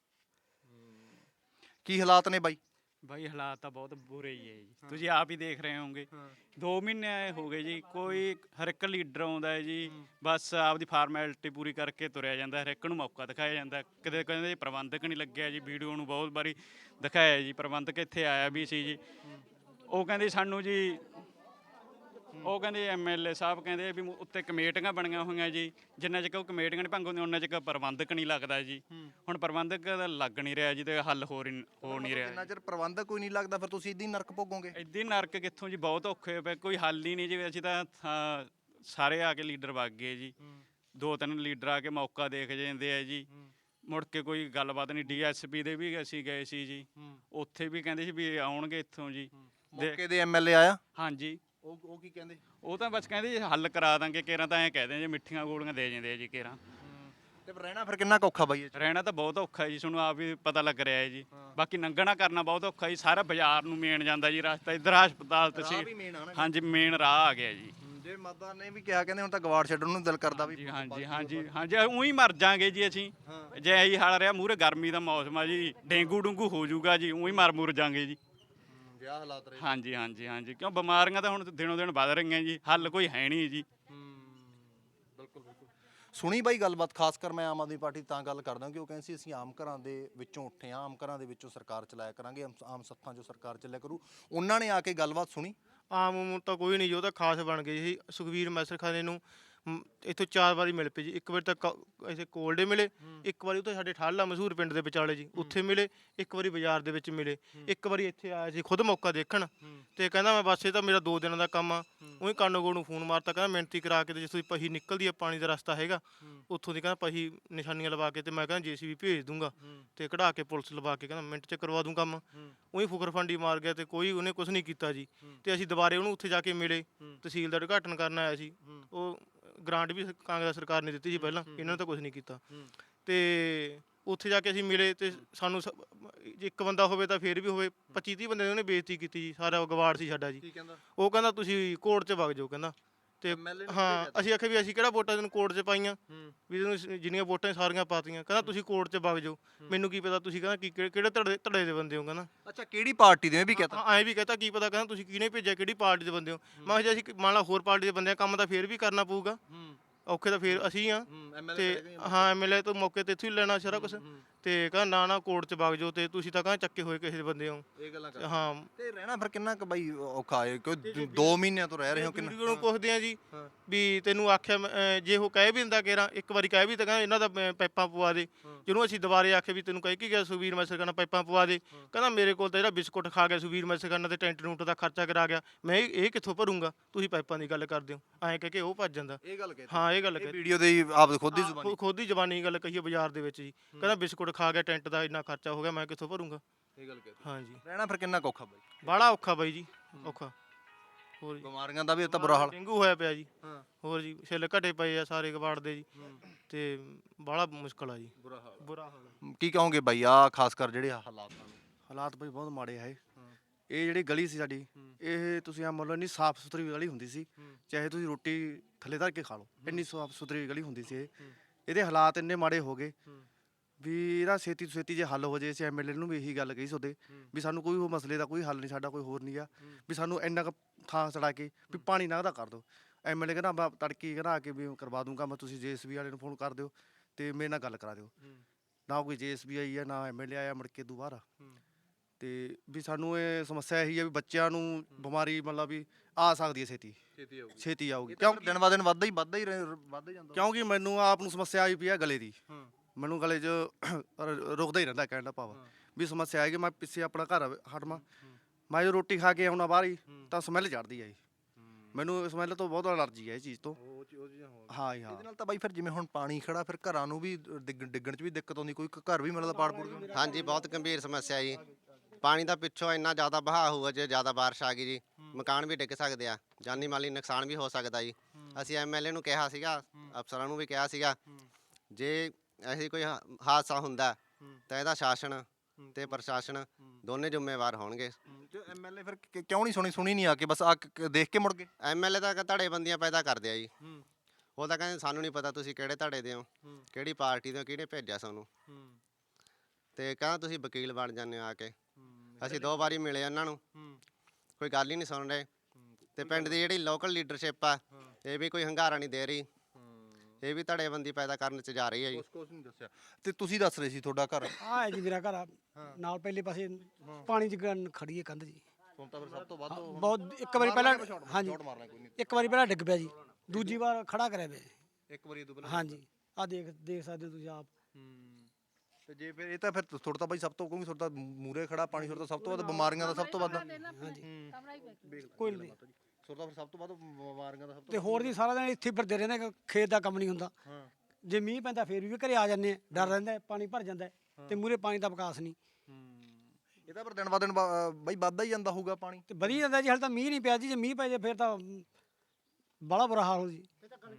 Speaker 5: ਕੀ ਹਾਲਾਤ ਨੇ ਬਾਈ?
Speaker 1: ਬਾਈ ਹਾਲਾਤ ਤਾਂ ਬਹੁਤ ਬੁਰੇ ਹੀ ਹੈ ਜੀ, ਤੁਸੀਂ ਆਪ ਹੀ ਦੇਖ ਰਹੇ ਹੋਵੋਗੇ। ਦੋ ਮਹੀਨੇ ਹੋ ਗਏ ਜੀ, ਕੋਈ ਹਰ ਇੱਕ ਲੀਡਰ ਆਉਂਦਾ ਹੈ ਜੀ, ਬਸ ਆਪਦੀ ਫਾਰਮੈਲਿਟੀ ਪੂਰੀ ਕਰਕੇ ਤੁਰਿਆ ਜਾਂਦਾ। ਹਰ ਇੱਕ ਨੂੰ ਮੌਕਾ ਦਿਖਾਇਆ ਜਾਂਦਾ। ਕਿਤੇ ਕਹਿੰਦੇ ਪ੍ਰਬੰਧਕ ਨਹੀਂ ਲੱਗਿਆ ਜੀ, ਵੀਡੀਓ ਨੂੰ ਬਹੁਤ ਵਾਰੀ ਦਿਖਾਇਆ ਜੀ। ਪ੍ਰਬੰਧਕ ਇੱਥੇ ਆਇਆ ਵੀ ਸੀ ਜੀ, ਉਹ ਕਹਿੰਦੇ ਸਾਨੂੰ ਜੀ, ਉਹ ਕਹਿੰਦੇ ਐਮਐਲਏ ਸਾਹਿਬ ਕਹਿੰਦੇ ਵੀ ਉੱਤੇ ਕਮੇਟੀਆਂ ਬਣੀਆਂ ਹੋਈਆਂ ਜੀ, ਜਿੰਨਾ ਚਿਰ ਉਹ ਕਮੇਟੀਆਂ ਨਹੀਂ ਭੰਗ ਹੁੰਦੀਆਂ ਉਹਨਾਂ ਚਿਰ ਪ੍ਰਬੰਧਕ ਨਹੀਂ ਲੱਗਦਾ ਜੀ। ਹੁਣ ਪ੍ਰਬੰਧਕ ਦਾ ਲੱਗ ਨਹੀਂ ਰਿਹਾ ਜੀ, ਤੇ ਹੱਲ ਹੋ ਨਹੀਂ ਹੋ ਨਹੀਂ ਰਿਹਾ।
Speaker 5: ਜਿੰਨਾ ਚਿਰ ਪ੍ਰਬੰਧਕ ਕੋਈ ਨਹੀਂ ਲੱਗਦਾ ਫਿਰ ਤੁਸੀਂ ਇੱਦਾਂ ਹੀ ਨਰਕ ਭੋਗੋਗੇ?
Speaker 1: ਇੱਦਾਂ ਹੀ ਨਰਕ ਕਿੱਥੋਂ ਜੀ, ਬਹੁਤ ਔਖੇ ਪਏ, ਕੋਈ ਹੱਲ ਹੀ ਨਹੀਂ ਜੀ। ਅਸੀਂ ਤਾਂ ਥਾਂ ਸਾਰੇ ਆ ਕੇ ਲੀਡਰ ਵਗ ਗਏ ਜੀ, ਦੋ ਤਿੰਨ ਲੀਡਰ ਆ ਕੇ ਮੌਕਾ ਦੇਖ ਜਾਂਦੇ ਆ ਜੀ, ਮੁੜ ਕੇ ਕੋਈ ਗੱਲਬਾਤ ਨਹੀਂ। ਡੀਐਸਪੀ ਦੇ ਵੀ ਅਸੀਂ ਗਏ ਸੀ ਜੀ, ਉੱਥੇ ਵੀ ਕਹਿੰਦੇ ਸੀ ਵੀ ਆਉਣਗੇ ਇੱਥੋਂ ਜੀ।
Speaker 5: ਮੌਕੇ ਦੇ ਐਮਐਲਏ ਆਇਆ?
Speaker 1: ਹਾਂਜੀ।
Speaker 5: ਉਹ ਉਹ ਕੀ ਕਹਿੰਦੇ?
Speaker 1: ਉਹ ਤਾਂ ਬਸ ਕਹਿੰਦੇ ਜੀ ਹੱਲ ਕਰਾ ਦਾਂਗੇ ਕੇਰਾਂ, ਤਾਂ ਐਂ ਕਹਿੰਦੇ ਜੀ ਮਿੱਠੀਆਂ ਗੋਲੀਆਂ ਦੇ ਜਾਂਦੇ ਆ ਜੀ ਕੇਰਾਂ।
Speaker 5: ਤੇ ਰਹਿਣਾ ਫਿਰ ਕਿੰਨਾ ਕੁ ਔਖਾ ਬਾਈ ਇਹ 'ਚ?
Speaker 1: ਰਹਿਣਾ ਤਾਂ ਬਹੁਤ ਔਖਾ ਜੀ, ਤੁਹਾਨੂੰ ਆਪ ਵੀ ਪਤਾ ਲੱਗ ਰਿਹਾ ਹੈ ਜੀ। ਬਾਕੀ ਲੰਘਣਾ ਕਰਨਾ ਬਹੁਤ ਔਖਾ ਜੀ, ਸਾਰਾ ਬਾਜ਼ਾਰ ਨੂੰ ਮੇਨ ਜਾਂਦਾ ਜੀ ਰਸਤਾ, ਇੱਧਰ ਹਸਪਤਾਲ ਤੁਸੀਂ। ਹਾਂਜੀ ਮੇਨ ਰਾਹ ਆ ਗਿਆ ਜੀ।
Speaker 5: ਜੇ ਮਾਤਾ ਨੇ ਵੀ ਕਿਹਾ ਕਹਿੰਦੇ ਹੁਣ ਤਾਂ ਗਵਾੜ ਛੱਡਣ ਨੂੰ ਦਿਲ ਕਰਦਾ ਵੀ।
Speaker 1: ਹਾਂਜੀ ਹਾਂਜੀ ਹਾਂਜੀ ਉਹੀ ਮਰ ਜਾਾਂਗੇ ਜੀ ਅਸੀਂ, ਜੇ ਇਹੀ ਹਾਲ ਰਿਹਾ। ਮੂਹਰੇ ਗਰਮੀ ਦਾ ਮੌਸਮ ਆ ਜੀ, ਡੇਂਗੂ ਡੂੰਗੂ ਹੋ ਜਾਊਗਾ ਜੀ, ਉਹੀ ਮਰ ਮੁਰ ਜਾਾਂਗੇ ਜੀ।
Speaker 5: ਵਿਆਹ ਹਾਲਾਤ ਰਹੇ।
Speaker 1: ਹਾਂਜੀ ਹਾਂਜੀ ਹਾਂਜੀ ਕਿਉਂ ਬਿਮਾਰੀਆਂ ਤਾਂ ਹੁਣ ਦਿਨੋਂ ਦਿਨ ਵੱਧ ਰਹੀਆਂ ਜੀ, ਹੱਲ ਕੋਈ ਹੈ ਨਹੀਂ ਜੀ।
Speaker 5: ਬਿਲਕੁਲ ਬਿਲਕੁਲ। ਸੁਣੀ ਬਾਈ ਗੱਲਬਾਤ, ਖਾਸ ਕਰ ਮੈਂ ਆਮ ਆਦਮੀ ਪਾਰਟੀ ਤਾਂ ਗੱਲ ਕਰਦਾ ਕਿ ਉਹ ਕਹਿੰਦੇ ਸੀ ਅਸੀਂ ਆਮ ਘਰਾਂ ਦੇ ਵਿੱਚੋਂ ਉੱਠੇ ਹਾਂ, ਆਮ ਘਰਾਂ ਦੇ ਵਿੱਚੋਂ ਸਰਕਾਰ ਚਲਾਇਆ ਕਰਾਂਗੇ, ਆਮ ਸੱਥਾਂ 'ਚੋਂ ਸਰਕਾਰ ਚੱਲਿਆ ਕਰੂ। ਉਹਨਾਂ ਨੇ ਆ ਕੇ ਗੱਲਬਾਤ ਸੁਣੀ?
Speaker 3: ਆਮ ਉਮ ਤਾਂ ਕੋਈ ਨਹੀਂ ਜੀ, ਉਹ ਤਾਂ ਖਾਸ ਬਣ ਗਏ ਸੀ। ਸੁਖਵੀਰ ਮੈਸਰਖਾਨੇ ਨੂੰ ਮ, ਇੱਥੋਂ ਚਾਰ ਵਾਰੀ ਮਿਲ ਪਏ ਜੀ। ਇੱਕ ਵਾਰੀ ਤਾਂ ਕ- ਇੱਥੇ ਕੋਲਡੇ ਮਿਲੇ, ਇੱਕ ਵਾਰੀ ਉੱਥੇ ਸਾਡੇ ਠਾਲਾ ਮਸ਼ਹੂਰ ਪਿੰਡ ਦੇ ਵਿਚਾਲੇ ਜੀ ਉੱਥੇ ਮਿਲੇ, ਇੱਕ ਵਾਰੀ ਬਾਜ਼ਾਰ ਦੇ ਵਿੱਚ ਮਿਲੇ, ਇੱਕ ਵਾਰੀ ਇੱਥੇ ਆਇਆ ਸੀ ਖੁਦ ਮੌਕਾ ਦੇਖਣ ਤੇ ਕਹਿੰਦਾ ਮੈਂ ਬਸ ਇਹ ਤਾਂ ਮੇਰਾ ਦੋ ਦਿਨਾਂ ਦਾ ਕੰਮ ਆ। ਉਹੀ ਕਾਨੂੰਗੋ ਨੂੰ ਫੋਨ ਮਾਰਤਾ, ਕਹਿੰਦਾ ਮਿਹਨਤੀ ਕਰਾ ਕੇ ਤੇ ਜਿੱਥੋਂ ਦੀ ਪਹੀ ਨਿਕਲਦੀ ਆ ਪਾਣੀ ਦਾ ਰਸਤਾ ਹੈਗਾ ਉੱਥੋਂ ਦੀ ਕਹਿੰਦਾ ਪਹੀ ਨਿਸ਼ਾਨੀਆਂ ਲਵਾ ਕੇ ਤੇ ਮੈਂ ਕਹਿੰਦਾ ਜੇਸੀਬੀ ਭੇਜ ਦੂੰਗਾ ਤੇ ਕਢਾ ਕੇ ਪੁਲਿਸ ਲਵਾ ਕੇ ਕਹਿੰਦਾ ਮਿੰਟ 'ਚ ਕਰਵਾ ਦੂੰ ਕੰਮ। ਉਹੀ ਫੁਕਰ ਫੰਡੀ ਮਾਰ ਗਿਆ ਤੇ ਕੋਈ ਉਹਨੇ ਕੁਝ ਨਹੀਂ ਕੀਤਾ ਜੀ। ਤੇ ਅਸੀਂ ਦੁਬਾਰੇ ਉਹਨੂੰ ਉੱਥੇ ਜਾ ਕੇ ਮਿਲੇ, ਤਹਿਸੀਲ ਦਾ ਉਦਘਾਟਨ ਕਰਨ ਆਇਆ ਸੀ। ਉਹ ਗ੍ਰਾਂਟ ਵੀ ਕਾਂਗਰਸ ਸਰਕਾਰ ਨੇ ਦਿੱਤੀ ਸੀ ਪਹਿਲਾਂ, ਇਹਨਾਂ ਨੇ ਤਾਂ ਕੁਝ ਨਹੀਂ ਕੀਤਾ। ਤੇ ਉੱਥੇ ਜਾ ਕੇ ਅਸੀਂ ਮਿਲੇ ਤੇ ਸਾਨੂੰ ਸ- ਜੇ ਇੱਕ ਬੰਦਾ ਹੋਵੇ ਤਾਂ ਫੇਰ ਵੀ ਹੋਵੇ, ਪੱਚੀ ਤੀਹ ਬੰਦੇ ਨੇ ਉਹਨੇ ਬੇਇੱਜ਼ਤੀ ਕੀਤੀ ਜੀ। ਸਾਰਾ ਗਵਾੜ ਸੀ ਸਾਡਾ ਜੀ। ਉਹ ਕਹਿੰਦਾ ਤੁਸੀਂ ਕੋਰਟ 'ਚ ਵਗ ਜਾਓ ਕਹਿੰਦਾ। ਤੇ ਹਾਂ ਅਸੀਂ ਆਖਿਆ ਵੀ ਅਸੀਂ ਕਿਹੜਾ ਵੋਟਾਂ ਤੈਨੂੰ ਕੋਰਟ 'ਚ ਪਾਈਆਂ, ਵੀ ਤੈਨੂੰ ਸ- ਜਿੰਨੀਆਂ ਵੋਟਾਂ ਸਾਰੀਆਂ ਪਾਤੀਆਂ। ਕਹਿੰਦਾ ਤੁਸੀਂ ਕੋਰਟ 'ਚ ਵਗ ਜਾਓ, ਮੈਨੂੰ ਕੀ ਪਤਾ ਤੁਸੀਂ ਕਹਿੰਦਾ ਕੀ ਕਿਹੜੇ ਕਿਹੜੇ ਧੜੇ ਧੜੇ ਦੇ ਬੰਦੇ ਹੋ ਕਹਿੰਦਾ।
Speaker 5: ਅੱਛਾ, ਕਿਹੜੀ ਪਾਰਟੀ ਦੇ ਵੀ ਕਹਤਾ?
Speaker 3: ਐਂ ਵੀ ਕਹਤਾ ਕੀ ਪਤਾ ਕਹਿੰਦਾ ਤੁਸੀਂ ਕਿਹਨੇ ਭੇਜਿਆ, ਕਿਹੜੀ ਪਾਰਟੀ ਦੇ ਬੰਦੇ ਹੋ। ਮੈਂ ਕਿਹਾ ਜੇ ਅਸੀਂ ਮੰਨ ਲਾ ਹੋਰ ਪਾਰਟੀ ਦੇ ਬੰਦੇ ਆ, ਕੰਮ ਤਾਂ ਫੇਰ ਵੀ ਕਰਨਾ ਪਊਗਾ, ਔਖੇ ਤਾਂ ਫੇਰ ਅਸੀਂ ਆ। ਤੇ ਹਾਂ ਐਮਐਲਏ ਤੋਂ ਮੌਕੇ ਤੇ ਇੱਥੋਂ ਹੀ ਲੈਣਾ ਸਾਰਾ ਕੁਝ। ਤੇ ਕਹਿੰਦਾ ਨਾ ਨਾ ਕੋਰਟ 'ਚ ਵਗ ਜਾਓ ਤੇ ਤੁਸੀਂ ਤਾਂ ਕਹਿੰਦਾ ਚੱਕੇ ਹੋਏ ਕਿਸੇ ਦੇ ਬੰਦੇ ਹੋ।
Speaker 5: ਇਹ ਗੱਲਾਂ ਕਰ
Speaker 3: ਹਾਂ
Speaker 5: ਤੇ ਰਹਿਣਾ ਫਿਰ ਕਿੰਨਾ ਕੁ ਬਾਈ ਔਖਾ ਹੈ, ਕਿਉਂ ਦੋ ਮਹੀਨਿਆਂ ਤੋਂ ਰਹਿ ਰਹੇ ਹੋ ਕਿੰਨਾ?
Speaker 3: ਵੀਡੀਓ ਨੂੰ ਪੁੱਛਦੇ ਆ ਜੀ ਵੀ ਤੈਨੂੰ ਆਖਿਆ ਮੈਂ, ਅਹ, ਜੇ ਉਹ ਕਹਿ ਵੀ ਦਿੰਦਾ ਕੇਰਾ ਇੱਕ ਵਾਰੀ ਕਹਿ ਵੀ ਤਾਂ ਕਹਿੰਦਾ ਇਹਨਾਂ ਦਾ ਪ- ਪਾਈਪਾਂ ਪਵਾ ਦੇ। ਜਿਹਨੂੰ ਅਸੀਂ ਦੁਬਾਰੇ ਆਖੇ ਵੀ ਤੈਨੂੰ ਕਹਿ ਕੇ ਗਿਆ ਸੁਵੀਰ ਮੈਸਰ ਕਰਨਾ ਪਾਈਪਾਂ ਪਵਾ ਦੇ, ਕਹਿੰਦਾ ਮੇਰੇ ਕੋਲ ਤਾਂ ਜਿਹੜਾ ਬਿਸਕੁਟ ਖਾ ਗਿਆ ਸੁਵੀਰ ਮੈਸਰ ਕਰਨਾ ਤੇ ਟੈਂਟ ਟੂੰਟ ਦਾ ਖਰਚਾ ਕਰਾ ਗਿਆ, ਮੈਂ ਇਹ ਇਹ ਕਿੱਥੋਂ ਭਰੂੰਗਾ, ਤੁਸੀਂ ਪਾਈਪਾਂ ਦੀ ਗੱਲ ਕਰਦੇ ਹੋ। ਐਂ ਕਹਿ ਕੇ ਉਹ ਭੱਜ ਜਾਂਦਾ।
Speaker 5: ਇਹ ਗੱਲ ਕਹੀ
Speaker 3: ਹਾਂ ਇਹ ਗੱਲ
Speaker 5: ਇਹ
Speaker 3: ਕਹਿ
Speaker 5: ਵੀਡੀਓ ਦੇ ਹੀ ਆਪ ਖੁਦ ਦੀ
Speaker 3: ਹਾਂ,
Speaker 5: ਜ਼ੁਬਾਨੀ।
Speaker 3: ਖੁ- ਖੁਦ ਦੀ ਜ਼ਬਾਨੀ ਗੱਲ ਕਹੀ ਹੈ ਬਾਜ਼ਾਰ ਦੇ ਵਿੱਚ ਜੀ। ਕਹਿੰਦਾ ਬਿਸਕੁਟ ਖਾ ਗਿਆ, ਟੈਂਟ ਦਾ ਇੰਨਾ ਖਰਚਾ ਹੋ ਗਿਆ, ਮੈਂ ਕਿੱਥੋਂ ਭਰੂੰਗਾ।
Speaker 5: ਇਹ ਗੱਲ ਕਹੀ
Speaker 3: ਹਾਂਜੀ
Speaker 5: ਰਹਿਣਾ ਫਿਰ ਕਿੰਨਾ ਕੁ ਔਖਾ ਬਾਈ?
Speaker 3: ਬਾਹਲਾ ਔਖਾ ਬਾਈ ਜੀ, ਔਖਾ। ਹੋਰ ਜੀ
Speaker 5: ਬਿਮਾਰੀਆਂ ਦਾ ਵੀ ਤਾਂ ਬੁਰਾ ਹਾਲ।
Speaker 3: ਡੇਂਗੂ ਹੋਇਆ ਪਿਆ ਜੀ।
Speaker 5: ਹਾਂ।
Speaker 3: ਹੋਰ ਜੀ ਛਿੱਲ ਘਟੇ ਪਏ ਆ ਸਾਰੇ ਕਬਾੜ ਦੇ ਜੀ। ਤੇ ਬਾਹਲਾ ਮੁਸ਼ਕਲ ਆ ਜੀ,
Speaker 5: ਬੁਰਾ ਹਾਲ
Speaker 3: ਬੁਰਾ ਹਾਲ।
Speaker 5: ਕੀ ਕਹੋਗੇ ਬਾਈ ਆ ਖਾਸ ਕਰ ਜਿਹੜੇ ਆਹ ਹਾਲਾਤ ਹਨ?
Speaker 9: ਹਾਲਾਤ ਬਈ ਬਹੁਤ ਮਾੜੇ ਆ ਇਹ ਇਹ ਜਿਹੜੀ ਗਲੀ ਸੀ ਸਾਡੀ, ਇਹ ਤੁਸੀਂ ਆ ਮੰਨ ਲਓ ਇੰਨੀ ਸਾਫ਼ ਸੁਥਰੀ ਗਲੀ ਹੁੰਦੀ ਸੀ, ਚਾਹੇ ਤੁਸੀਂ ਰੋਟੀ ਥੱਲੇ ਧਰ ਕੇ ਖਾ ਲਓ, ਇੰਨੀ ਸਾਫ਼ ਸੁਥਰੀ ਗਲੀ ਹੁੰਦੀ ਸੀ ਇਹ। ਇਹਦੇ ਹਾਲਾਤ ਇੰਨੇ ਮਾੜੇ ਹੋ ਗਏ ਵੀ ਇਹਦਾ ਛੇਤੀ ਤੋਂ ਛੇਤੀ ਜੇ ਹੱਲ ਹੋ ਜੇ। ਅਸੀਂ ਐਮਐਲਏ ਨੂੰ ਵੀ ਇਹੀ ਗੱਲ ਕਹੀ ਸੋਦੇ ਵੀ ਸਾਨੂੰ ਕੋਈ ਉਹ ਮਸਲੇ ਦਾ ਕੋਈ ਹੱਲ ਨਹੀਂ, ਸਾਡਾ ਕੋਈ ਹੋਰ ਨਹੀਂ ਆ, ਵੀ ਸਾਨੂੰ ਇੰਨਾ ਕੁ ਥਾਂ ਛੜਾ ਕੇ ਵੀ ਪਾਣੀ ਨਾ ਉਹਦਾ ਕਰ ਦਿਓ। ਐਮਐਲਏ ਕਹਿੰਦਾ ਮੈਂ ਤੜਕੀ ਕਹਿੰਦਾ ਆ ਕੇ ਵੀ ਕਰਵਾ ਦੂੰਗਾ ਮੈਂ, ਤੁਸੀਂ ਜੇਐਸਬੀ ਵਾਲੇ ਨੂੰ ਫੋਨ ਕਰ ਦਿਓ ਤੇ ਮੇਰੇ ਨਾਲ ਗੱਲ ਕਰਾ ਦਿਓ। ਨਾ ਕੋਈ ਜੇਐਸਬੀ ਆਈ ਆ ਨਾ ਐਮਐਲਏ ਆਇਆ ਮੁੜ ਕੇ ਦੁਬਾਰਾ। ਤੇ ਵੀ ਸਾਨੂੰ ਇਹ ਸਮੱਸਿਆ ਇਹੀ ਆ ਵੀ ਬੱਚਿਆਂ ਨੂੰ ਬਿਮਾਰੀ ਮਤਲਬ ਵੀ ਆ ਸਕਦੀ ਹੈ ਛੇਤੀ
Speaker 5: ਛੇਤੀ ਆਊਗੀ
Speaker 9: ਛੇਤੀ ਆਊਗੀ।
Speaker 5: ਕਿਉਂਕਿ ਦਿਨ ਬ ਦਿਨ ਵੱਧਦਾ ਹੀ ਵੱਧਦਾ ਹੀ ਰਹਿ- ਵੱਧਦਾ ਹੀ ਜਾਂਦਾ।
Speaker 9: ਕਿਉਂਕਿ ਮੈਨੂੰ ਆਪ ਨੂੰ ਸਮੱਸਿਆ ਆਈ ਪਈ ਆ ਗਲੇ ਦੀ, ਮੈਨੂੰ ਗਲੇ 'ਚ ਰ- ਰੁਕਦਾ ਹੀ ਰਹਿੰਦਾ ਕਹਿਣ ਦਾ ਭਾਵ ਵੀ ਸਮੱਸਿਆ ਹੈ ਕਿ ਮੈਂ ਪਿੱਛੇ ਆਪਣਾ ਘਰ ਹਟਵਾਂ, ਮੈਂ ਜੋ ਰੋਟੀ ਖਾ ਕੇ ਆਉਣਾ ਬਾਹਰ ਹੀ ਤਾਂ ਸਮੈਲ ਚੜਦੀ ਹੈ ਜੀ। ਮੈਨੂੰ ਸਮੈਲ ਤੋਂ ਬਹੁਤ ਅਲਰਜੀ ਹੈ ਇਹ ਚੀਜ਼ ਤੋਂ। ਹਾਂ ਜੀ ਹਾਂ।
Speaker 5: ਇਹਦੇ ਨਾਲ ਤਾਂ ਬਾਈ ਫਿਰ ਜਿਵੇਂ ਹੁਣ ਪਾਣੀ ਖੜਾ, ਫਿਰ ਘਰਾਂ ਨੂੰ ਵੀ ਡਿੱਗ- ਡਿੱਗਣ 'ਚ ਵੀ ਦਿੱਕਤ ਆਉਂਦੀ, ਕੋਈ ਘਰ ਵੀ ਮਿਲਦਾ ਪਾੜ ਪੂੜ ਗਿਆ।
Speaker 10: ਹਾਂਜੀ ਬਹੁਤ ਗੰਭੀਰ ਸਮੱਸਿਆ ਜੀ। ਪਾਣੀ ਦਾ ਪਿੱਛੋਂ ਇੰਨਾ ਜ਼ਿਆਦਾ ਵਹਾਅ ਹੋਊਗਾ, ਜੇ ਜ਼ਿਆਦਾ ਬਾਰਿਸ਼ ਆ ਗਈ ਜੀ ਮਕਾਨ ਵੀ ਡਿੱਗ ਸਕਦੇ ਆ, ਜਾਨੀ ਮਾਲੀ ਨੁਕਸਾਨ ਵੀ ਹੋ ਸਕਦਾ ਜੀ। ਅਸੀਂ ਐਮਐਲਏ ਨੂੰ ਕਿਹਾ ਸੀਗਾ, ਅਫਸਰਾਂ ਨੂੰ ਵੀ ਕਿਹਾ ਸੀਗਾ, ਜੇ ਐਸੀ ਕੋਈ ਹਾ- ਹਾਦਸਾ ਹੁੰਦਾ ਤਾਂ ਇਹਦਾ ਸ਼ਾਸਨ ਤੇ ਪ੍ਰਸ਼ਾਸਨ ਦੋਨੇ ਜ਼ਿੰਮੇਵਾਰ ਹੋਣਗੇ।
Speaker 5: ਤੇ ਐਮਐਲਏ ਫਿਰ ਕਿ- ਕਿਉਂ ਨਹੀਂ ਸੁਣੀ ਸੁਣੀ ਨਹੀਂ ਆ ਕੇ ਬਸ ਆ ਕੇ ਦੇਖ ਕੇ ਮੁੜ ਗਏ?
Speaker 10: ਐਮਐਲਏ ਤਾਂ ਧੜੇ ਬੰਦੀਆਂ ਪੈਦਾ ਕਰਦੇ ਆ ਜੀ। ਉਹ ਤਾਂ ਕਹਿੰਦੇ ਸਾਨੂੰ ਨਹੀਂ ਪਤਾ ਤੁਸੀਂ ਕਿਹੜੇ ਧੜੇ ਦੇ ਹੋ, ਕਿਹੜੀ ਪਾਰਟੀ ਦੇ ਹੋ, ਕਿਹਨੇ ਭੇਜਿਆ ਸਾਨੂੰ। ਤੇ ਕਹਿੰਦਾ ਤੁਸੀਂ ਵਕੀਲ ਬਣ ਜਾਂਦੇ ਹੋ ਆ ਕੇ। ਅਸੀਂ ਦੋ ਵਾਰੀ ਮਿਲੇ ਉਹਨਾਂ ਨੂੰ, ਕੋਈ ਗੱਲ ਹੀ ਨਹੀਂ ਸੁਣ ਰਹੇ। ਤੇ ਪਿੰਡ ਦੀ ਜਿਹੜੀ ਲੋਕਲ ਲੀਡਰਸ਼ਿਪ ਆ ਇਹ ਵੀ ਕੋਈ ਹੰਗਾਰਾ ਨਹੀਂ ਦੇ ਰਹੀ, ਇਹ ਵੀ ਧੜੇਬੰਦੀ ਪੈਦਾ ਕਰਨ 'ਚ ਜਾ ਰਹੀ ਹੈ ਜੀ।
Speaker 5: ਕੁਛ ਕੁਛ ਨਹੀਂ ਦੱਸਿਆ। ਤੇ ਤੁਸੀਂ ਦੱਸ ਰਹੇ ਸੀ ਤੁਹਾਡਾ ਘਰ
Speaker 4: ਆ ਹੈ ਜੀ ਮੇਰਾ ਘਰ ਆ, ਨਾਲ ਪਹਿਲੇ ਪਾਸੇ ਪਾਣੀ 'ਚ ਗਨ ਖੜੀ ਹੈ ਕੰਧ ਜੀ।
Speaker 5: ਹੁਣ ਤਾਂ ਫਿਰ ਸਭ ਤੋਂ ਵੱਧ
Speaker 4: ਬਹੁਤ ਇੱਕ ਵਾਰੀ ਪਹਿਲਾਂ ਹਾਂਜੀ
Speaker 5: ਸ਼ਾਟ ਮਾਰਨਾ ਕੋਈ ਨਹੀਂ।
Speaker 4: ਇੱਕ ਵਾਰੀ ਪਹਿਲਾਂ ਡਿੱਗ ਪਿਆ ਜੀ, ਦੂਜੀ ਵਾਰ ਖੜਾ ਕਰਿਆ ਪਿਆ।
Speaker 5: ਇੱਕ ਵਾਰੀ ਇਹ ਤੋਂ ਪਹਿਲਾਂ
Speaker 4: ਹਾਂਜੀ ਆ ਦੇਖ ਦੇਖ ਸਕਦੇ ਹੋ ਤੁਸੀਂ ਆਪ।
Speaker 5: ਤੇ ਜੇ ਫਿਰ ਇਹ ਤਾਂ ਫਿਰ ਤੁਹਾਡਾ ਤਾਂ ਬਾਈ ਸਭ ਤੋਂ ਕਹੂੰਗੀ ਤੁਹਾਡਾ ਮੂਰੇ ਖੜਾ ਪਾਣੀ, ਤੁਹਾਡਾ ਸਭ ਤੋਂ ਵੱਧ ਬਿਮਾਰੀਆਂ ਦਾ ਸਭ ਤੋਂ ਵੱਧ
Speaker 4: ਹਾਂਜੀ ਕੋਈ ਨਹੀਂ।
Speaker 5: ਤੁਹਾਡਾ ਫਿਰ ਸਭ ਤੋਂ ਵੱਧ ਬਿਮਾਰੀਆਂ ਦਾ ਸਭ ਤੋਂ
Speaker 4: ਤੇ ਹੋਰ ਜੀ ਸਾਰਾ ਦਿਨ ਇੱਥੇ ਹੀ ਫਿਰਦੇ ਰਹਿੰਦੇ, ਖੇਤ ਦਾ ਕੰਮ ਨਹੀਂ ਹੁੰਦਾ। ਜੇ ਮੀਂਹ ਪੈਂਦਾ ਫੇਰ ਵੀ ਘਰੇ ਆ ਜਾਂਦੇ ਆ, ਡਰ ਰਹਿੰਦਾ ਹੈ, ਪਾਣੀ ਭਰ ਜਾਂਦਾ ਹੈ ਤੇ ਮੂਰੇ ਪਾਣੀ ਦਾ ਵਿਕਾਸ ਨਹੀਂ।
Speaker 5: ਇਹ ਤਾਂ ਫਿਰ ਦਿਨ ਬ ਦਿਨ ਬ- ਬਾਈ ਵੱਧਦਾ ਹੀ ਜਾਂਦਾ ਹੋਊਗਾ ਪਾਣੀ।
Speaker 4: ਤੇ ਵਧੀ ਜਾਂਦਾ ਜੀ, ਹਾਲੇ ਤਾਂ ਮੀਂਹ ਨਹੀਂ ਪਿਆ ਜੀ, ਜੇ ਮੀਂਹ ਪੈ ਜੇ ਫਿਰ ਤਾਂ ਬੜਾ ਬੁਰਾ ਹਾਲ ਹੋ ਜੀ।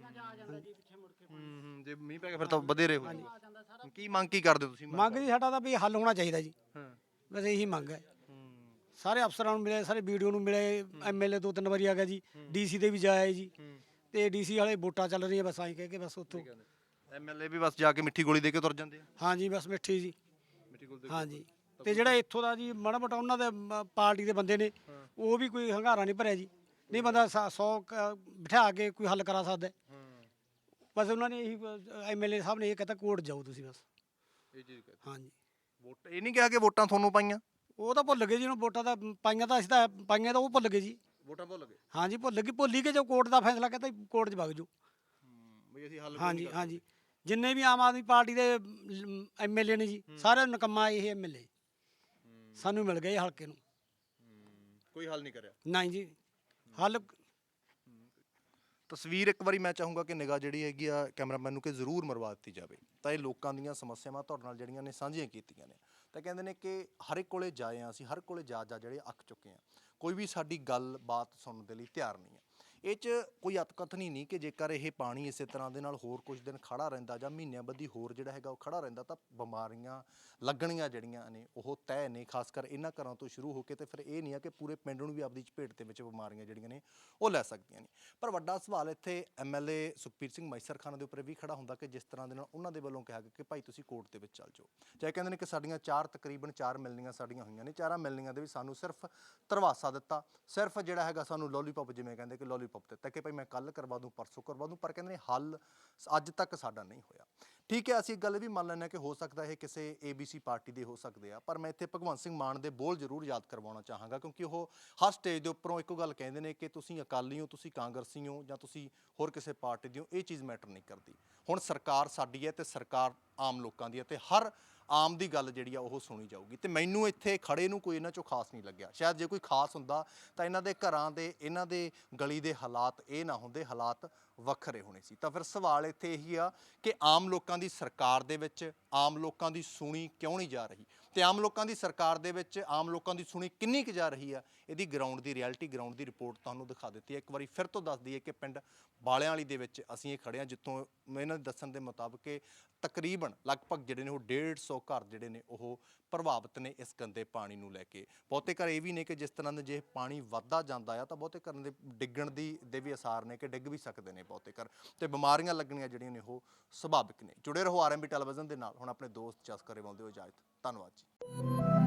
Speaker 5: ਹੂੰ ਹੂੰ ਜੇ ਮੀਂਹ ਪੈ ਗਿਆ ਫਿਰ ਤਾਂ ਵਧੇਰੇ ਹੋ ਜਾਊ। ਕੀ ਮੰਗ ਕੀ ਕਰਦੇ ਹੋ ਤੁਸੀਂ?
Speaker 4: ਮੰਗ ਜੀ ਸਾਡਾ ਤਾਂ ਵੀ ਹੱਲ ਹੋਣਾ ਚਾਹੀਦਾ ਜੀ,
Speaker 5: ਹਾਂ
Speaker 4: ਬਸ ਇਹੀ ਮੰਗ ਹੈ। ਸਾਰੇ ਅਫਸਰਾਂ ਨੂੰ ਮਿਲੇ, ਸਾਰੇ ਵੀਡੀਓ ਨੂੰ ਮਿਲੇ, ਐਮਐਲਏ ਦੋ ਤਿੰਨ ਵਾਰੀ ਆ ਗਿਆ ਜੀ, ਡੀਸੀ ਦੇ ਵੀ ਜਾਇਆ ਜੀ। ਤੇ ਡੀਸੀ ਵਾਲੇ ਵੋਟਾਂ ਚੱਲ ਰਹੀਆਂ ਬਸ ਆਈ ਕਹਿ ਕੇ ਬਸ ਉੱਥੋਂ।
Speaker 5: ਐਮਐਲਏ ਵੀ ਬਸ ਜਾ ਕੇ ਮਿੱਠੀ ਗੋਲੀ ਦੇ ਕੇ ਤੁਰ ਜਾਂਦੇ ਆ।
Speaker 4: ਹਾਂਜੀ ਬਸ ਮਿੱਠੀ ਜੀ।
Speaker 5: ਮਿੱਠੀ ਗੋਲੀ
Speaker 4: ਹਾਂਜੀ ਤੇ ਜਿਹੜਾ ਇੱਥੋਂ ਦਾ ਜੀ ਮਾੜਾ ਮੋਟਾ ਉਹਨਾਂ ਦੇ ਮ- ਪਾਰਟੀ ਦੇ ਬੰਦੇ ਨੇ, ਉਹ ਵੀ ਕੋਈ ਹੰਗਾਰਾ ਨਹੀਂ ਭਰਿਆ ਜੀ। ਨਹੀਂ ਬੰਦਾ ਸੌ ਬਿਠਾ ਕੇ ਕੋਈ ਹੱਲ ਕਰਾ ਸਕਦਾ। ਬਸ ਉਹਨਾਂ ਨੇ ਇਹੀ ਐਮਐਲਏ ਸਾਹਿਬ ਨੇ ਇਹ ਕਹਤਾ ਕੋਰਟ ਜਾਓ ਤੁਸੀਂ ਬਸ।
Speaker 5: ਇਹ ਚੀਜ਼ ਕਹਿੰਦੇ
Speaker 4: ਹਾਂਜੀ
Speaker 5: ਵੋਟ ਇਹ ਨਹੀਂ ਕਿਹਾ ਕਿ ਵੋਟਾਂ ਤੁਹਾਨੂੰ ਪਾਈਆਂ?
Speaker 4: ਉਹ ਤਾਂ ਭੁੱਲ ਗਏ ਜੀ, ਉਹਨੂੰ ਵੋਟਾਂ ਤਾਂ ਪਾਈਆਂ ਤਾਂ ਅਸੀਂ ਤਾਂ ਪਾਈਆਂ ਤਾਂ ਉਹ ਭੁੱਲ ਗਏ ਜੀ।
Speaker 5: ਵੋਟਾਂ ਭੁੱਲ ਗਏ।
Speaker 4: ਹਾਂਜੀ ਭੁੱਲ ਗਏ, ਭੁੱਲ ਹੀ ਕੇ ਜੋ ਕੋਰਟ ਦਾ ਫੈਸਲਾ ਕਹਿੰਦਾ ਕੋਰਟ 'ਚ ਵਗ ਜਾਓ।
Speaker 3: ਬਈ ਅਸੀਂ ਹੱਲ
Speaker 4: ਹਾਂਜੀ ਹਾਂਜੀ ਜਿੰਨੇ ਵੀ ਆਮ ਆਦਮੀ ਪਾਰਟੀ ਦੇ ਐਮਐਲਏ ਨੇ ਜੀ ਸਾਰੇ ਨਕਮਾ ਇਹ ਐਮਐਲਏ ਸਾਨੂੰ ਮਿਲ ਗਏ ਹਲਕੇ ਨੂੰ
Speaker 5: ਕੋਈ ਹੱਲ ਨਹੀਂ ਕਰਿਆ।
Speaker 4: ਨਹੀਂ ਜੀ ਹੱਲ
Speaker 5: ਤਸਵੀਰ ਇੱਕ ਵਾਰੀ ਮੈਂ ਚਾਹੂੰਗਾ ਕਿ ਨਿਗਾਹ ਜਿਹੜੀ ਹੈਗੀ ਆ ਕੈਮਰਾਮੈਨ ਨੂੰ ਕਿ ਜ਼ਰੂਰ ਮਰਵਾ ਦਿੱਤੀ ਜਾਵੇ ਤਾਂ ਇਹ ਲੋਕਾਂ ਦੀਆਂ ਸਮੱਸਿਆਵਾਂ ਤੁਹਾਡੇ ਨਾਲ ਜਿਹੜੀਆਂ ਨੇ ਸਾਂਝੀਆਂ ਕੀਤੀਆਂ ਨੇ ਤਾਂ ਕਹਿੰਦੇ ਨੇ ਕਿ ਹਰ ਇੱਕ ਕੋਲੇ ਜਾਏ ਆ ਅਸੀਂ ਹਰ ਕੋਲੇ ਜਾ ਜਾ ਜਿਹੜੇ ਅੱਕ ਚੁੱਕੇ ਆ ਕੋਈ ਵੀ ਸਾਡੀ ਗੱਲ ਬਾਤ ਸੁਣਨ ਦੇ ਲਈ ਤਿਆਰ ਨਹੀਂ ਹੈ। ਇਹ 'ਚ ਕੋਈ ਅਤਕਥਨੀ ਨਹੀਂ ਕਿ ਜੇਕਰ ਇਹ ਪਾਣੀ ਇਸੇ ਤਰ੍ਹਾਂ ਦੇ ਨਾਲ ਹੋਰ ਕੁਝ ਦਿਨ ਖੜਾ ਰਹਿੰਦਾ ਜਾਂ ਮਹੀਨਿਆਂ ਬੱਧੀ ਹੋਰ ਜਿਹੜਾ ਹੈਗਾ ਉਹ ਖੜਾ ਰਹਿੰਦਾ ਤਾਂ ਬਿਮਾਰੀਆਂ ਲੱਗਣੀਆਂ ਜਿਹੜੀਆਂ ਨੇ ਉਹ ਤੈਅ ਨੇ, ਖਾਸ ਕਰ ਇਹਨਾਂ ਘਰਾਂ ਤੋਂ ਸ਼ੁਰੂ ਹੋ ਕੇ ਤੇ ਫਿਰ ਇਹ ਨਹੀਂ ਆ ਕਿ ਪੂਰੇ ਪਿੰਡ ਨੂੰ ਵੀ ਆਪਦੀ ਚਪੇਟ ਦੇ ਵਿੱਚ ਬਿਮਾਰੀਆਂ ਜਿਹੜੀਆਂ ਨੇ ਉਹ ਲੈ ਸਕਦੀਆਂ ਨੇ। ਪਰ ਵੱਡਾ ਸਵਾਲ ਇੱਥੇ ਐਮਐਲਏ ਸੁਖਬੀਰ ਸਿੰਘ ਮੈਸਰ ਖਾਨ ਦੇ ਉੱਪਰ ਵੀ ਖੜਾ ਹੁੰਦਾ ਕਿ ਜਿਸ ਤਰ੍ਹਾਂ ਦੇ ਨਾਲ ਉਹਨਾਂ ਦੇ ਵੱਲੋਂ ਕਿਹਾ ਗਿਆ ਕਿ ਭਾਈ ਤੁਸੀਂ ਕੋਰਟ ਦੇ ਵਿੱਚ ਚੱਲ ਜਾਓ, ਚਾਹੇ ਕਹਿੰਦੇ ਨੇ ਕਿ ਸਾਡੀਆਂ ਚਾਰ ਤਕਰੀਬਨ ਚਾਰ ਮਿਲਣੀਆਂ ਸਾਡੀਆਂ ਹੋਈਆਂ ਨੇ, ਚਾਰਾਂ ਮਿਲਣੀਆਂ ਦੇ ਵਿੱਚ ਸਾਨੂੰ ਸਿਰਫ ਧਰਵਾਸਾ ਦਿੱਤਾ, ਸਿਰਫ ਜਿਹੜਾ ਹੈਗਾ ਸਾਨੂੰ ਲੋਲੀਪੌਪ ਜਿਵੇਂ ਕਹਿੰਦੇ ਕਿ ਲੋਲੀਪੌਪ ਦਿੱਤਾ ਕਿ ਭਾਈ ਮੈਂ ਕੱਲ ਕਰਵਾ ਦੂੰ ਪਰਸੋਂ ਕਰਵਾ ਦੂੰ, ਪਰ ਕਹਿੰਦੇ ਨੇ ਹੱਲ ਅੱਜ ਤੱਕ ਸਾਡਾ ਨਹੀਂ ਹੋਇਆ। ਠੀਕ ਹੈ ਅਸੀਂ ਇੱਕ ਗੱਲ ਵੀ ਮੰਨ ਲੈਂਦੇ ਹਾਂ ਕਿ ਹੋ ਸਕਦਾ ਇਹ ਕਿਸੇ ਏਬੀਸੀ ਪਾਰਟੀ ਦੇ ਹੋ ਸਕਦੇ ਆ, ਪਰ ਮੈਂ ਇੱਥੇ ਭਗਵੰਤ ਸਿੰਘ ਮਾਨ ਦੇ ਬੋਲ ਜ਼ਰੂਰ ਯਾਦ ਕਰਵਾਉਣਾ ਚਾਹਾਂਗਾ ਕਿਉਂਕਿ ਉਹ ਹਰ ਸਟੇਜ ਦੇ ਉੱਪਰੋਂ ਇੱਕੋ ਗੱਲ ਕਹਿੰਦੇ ਨੇ ਕਿ ਤੁਸੀਂ ਅਕਾਲੀ ਹੋ, ਤੁਸੀਂ ਕਾਂਗਰਸੀ ਹੋ ਜਾਂ ਤੁਸੀਂ ਹੋਰ ਕਿਸੇ ਪਾਰਟੀ ਦੇ ਹੋ, ਇਹ ਚੀਜ਼ ਮੈਟਰ ਨਹੀਂ ਕਰਦੀ। ਹੁਣ ਸਰਕਾਰ ਸਾਡੀ ਹੈ ਤੇ ਸਰਕਾਰ ਆਮ ਲੋਕਾਂ ਦੀ ਹੈ ਤੇ ਹਰ ਆਮ ਦੀ ਗੱਲ ਜਿਹੜੀ ਆ ਉਹ ਸੁਣੀ ਜਾਊਗੀ ਤੇ ਮੈਨੂੰ ਇੱਥੇ ਖੜੇ ਨੂੰ ਕੋਈ ਇਹਨਾਂ ਚੋਂ ਖਾਸ ਨਹੀਂ ਲੱਗਿਆ। ਸ਼ਾਇਦ ਜੇ ਕੋਈ ਖਾਸ ਹੁੰਦਾ ਤਾਂ ਇਹਨਾਂ ਦੇ ਘਰਾਂ ਦੇ ਇਹਨਾਂ ਦੇ ਗਲੀ ਦੇ ਹਾਲਾਤ ਇਹ ਨਾ ਹੁੰਦੇ, ਹਾਲਾਤ ਵੱਖਰੇ ਹੋਣੇ ਸੀ। ਤਾਂ ਫਿਰ ਸਵਾਲ ਇੱਥੇ ਇਹੀ ਆ ਕਿ ਆਮ ਲੋਕਾਂ ਦੀ ਸਰਕਾਰ ਦੇ ਵਿੱਚ ਆਮ ਲੋਕਾਂ ਦੀ ਸੁਣੀ ਕਿਉਂ ਨਹੀਂ ਜਾ ਰਹੀ ਤੇ ਆਮ ਲੋਕਾਂ ਦੀ ਸਰਕਾਰ ਦੇ ਵਿੱਚ ਆਮ ਲੋਕਾਂ ਦੀ ਸੁਣੀ ਕਿੰਨੀ ਕੁ ਜਾ ਰਹੀ ਆ, ਇਹਦੀ ਗਰਾਊਂਡ ਦੀ ਰਿਐਲਿਟੀ ਗਰਾਊਂਡ ਦੀ ਰਿਪੋਰਟ ਤੁਹਾਨੂੰ ਦਿਖਾ ਦਿੱਤੀ ਹੈ। ਇੱਕ ਵਾਰੀ ਫਿਰ ਤੋਂ ਦੱਸ ਦਈਏ ਕਿ ਪਿੰਡ ਬਾਲਿਆਂ ਵਾਲੀ ਦੇ ਵਿੱਚ ਅਸੀਂ ਇਹ ਖੜੇ ਹਾਂ ਜਿੱਥੋਂ ਇਹਨਾਂ ਦੇ ਦੱਸਣ ਦੇ ਮੁਤਾਬਕ ਕਿ ਤਕਰੀਬਨ ਲਗਭਗ ਜਿਹੜੇ ਨੇ ਉਹ ਡੇਢ ਸੌ ਘਰ ਜਿਹੜੇ ਨੇ ਉਹ ਪ੍ਰਭਾਵਿਤ ਨੇ ਇਸ ਗੰਦੇ ਪਾਣੀ ਨੂੰ ਲੈ ਕੇ। ਬਹੁਤੇ ਘਰ ਇਹ ਵੀ ਨੇ ਕਿ ਜਿਸ ਤਰ੍ਹਾਂ ਦੇ ਜੇ ਪਾਣੀ ਵੱਧਦਾ ਜਾਂਦਾ ਆ ਤਾਂ ਬਹੁਤੇ ਘਰਾਂ ਦੇ ਡਿੱਗਣ ਦੀ ਦੇ ਵੀ ਅਸਾਰ ਨੇ ਕਿ ਡਿੱਗ ਵੀ ਸਕਦੇ ਨੇ ਬਹੁਤੇ ਘਰ ਤੇ ਬਿਮਾਰੀਆਂ ਲੱਗਣੀਆਂ ਜਿਹੜੀਆਂ ਨੇ ਉਹ ਸੁਭਾਵਿਕ ਨੇ। ਜੁੜੇ ਰਹੋ ਆਰਐਮਬੀ ਟੈਲੀਵਿਜ਼ਨ ਦੇ ਨਾਲ। ਹੁਣ ਆਪਣੇ ਦੋਸਤ ਜਸ ਗਰੇਵਾਲ ਦਿਓ ਇਜਾਜ਼ਤ। ਧੰਨਵਾਦ ਜੀ।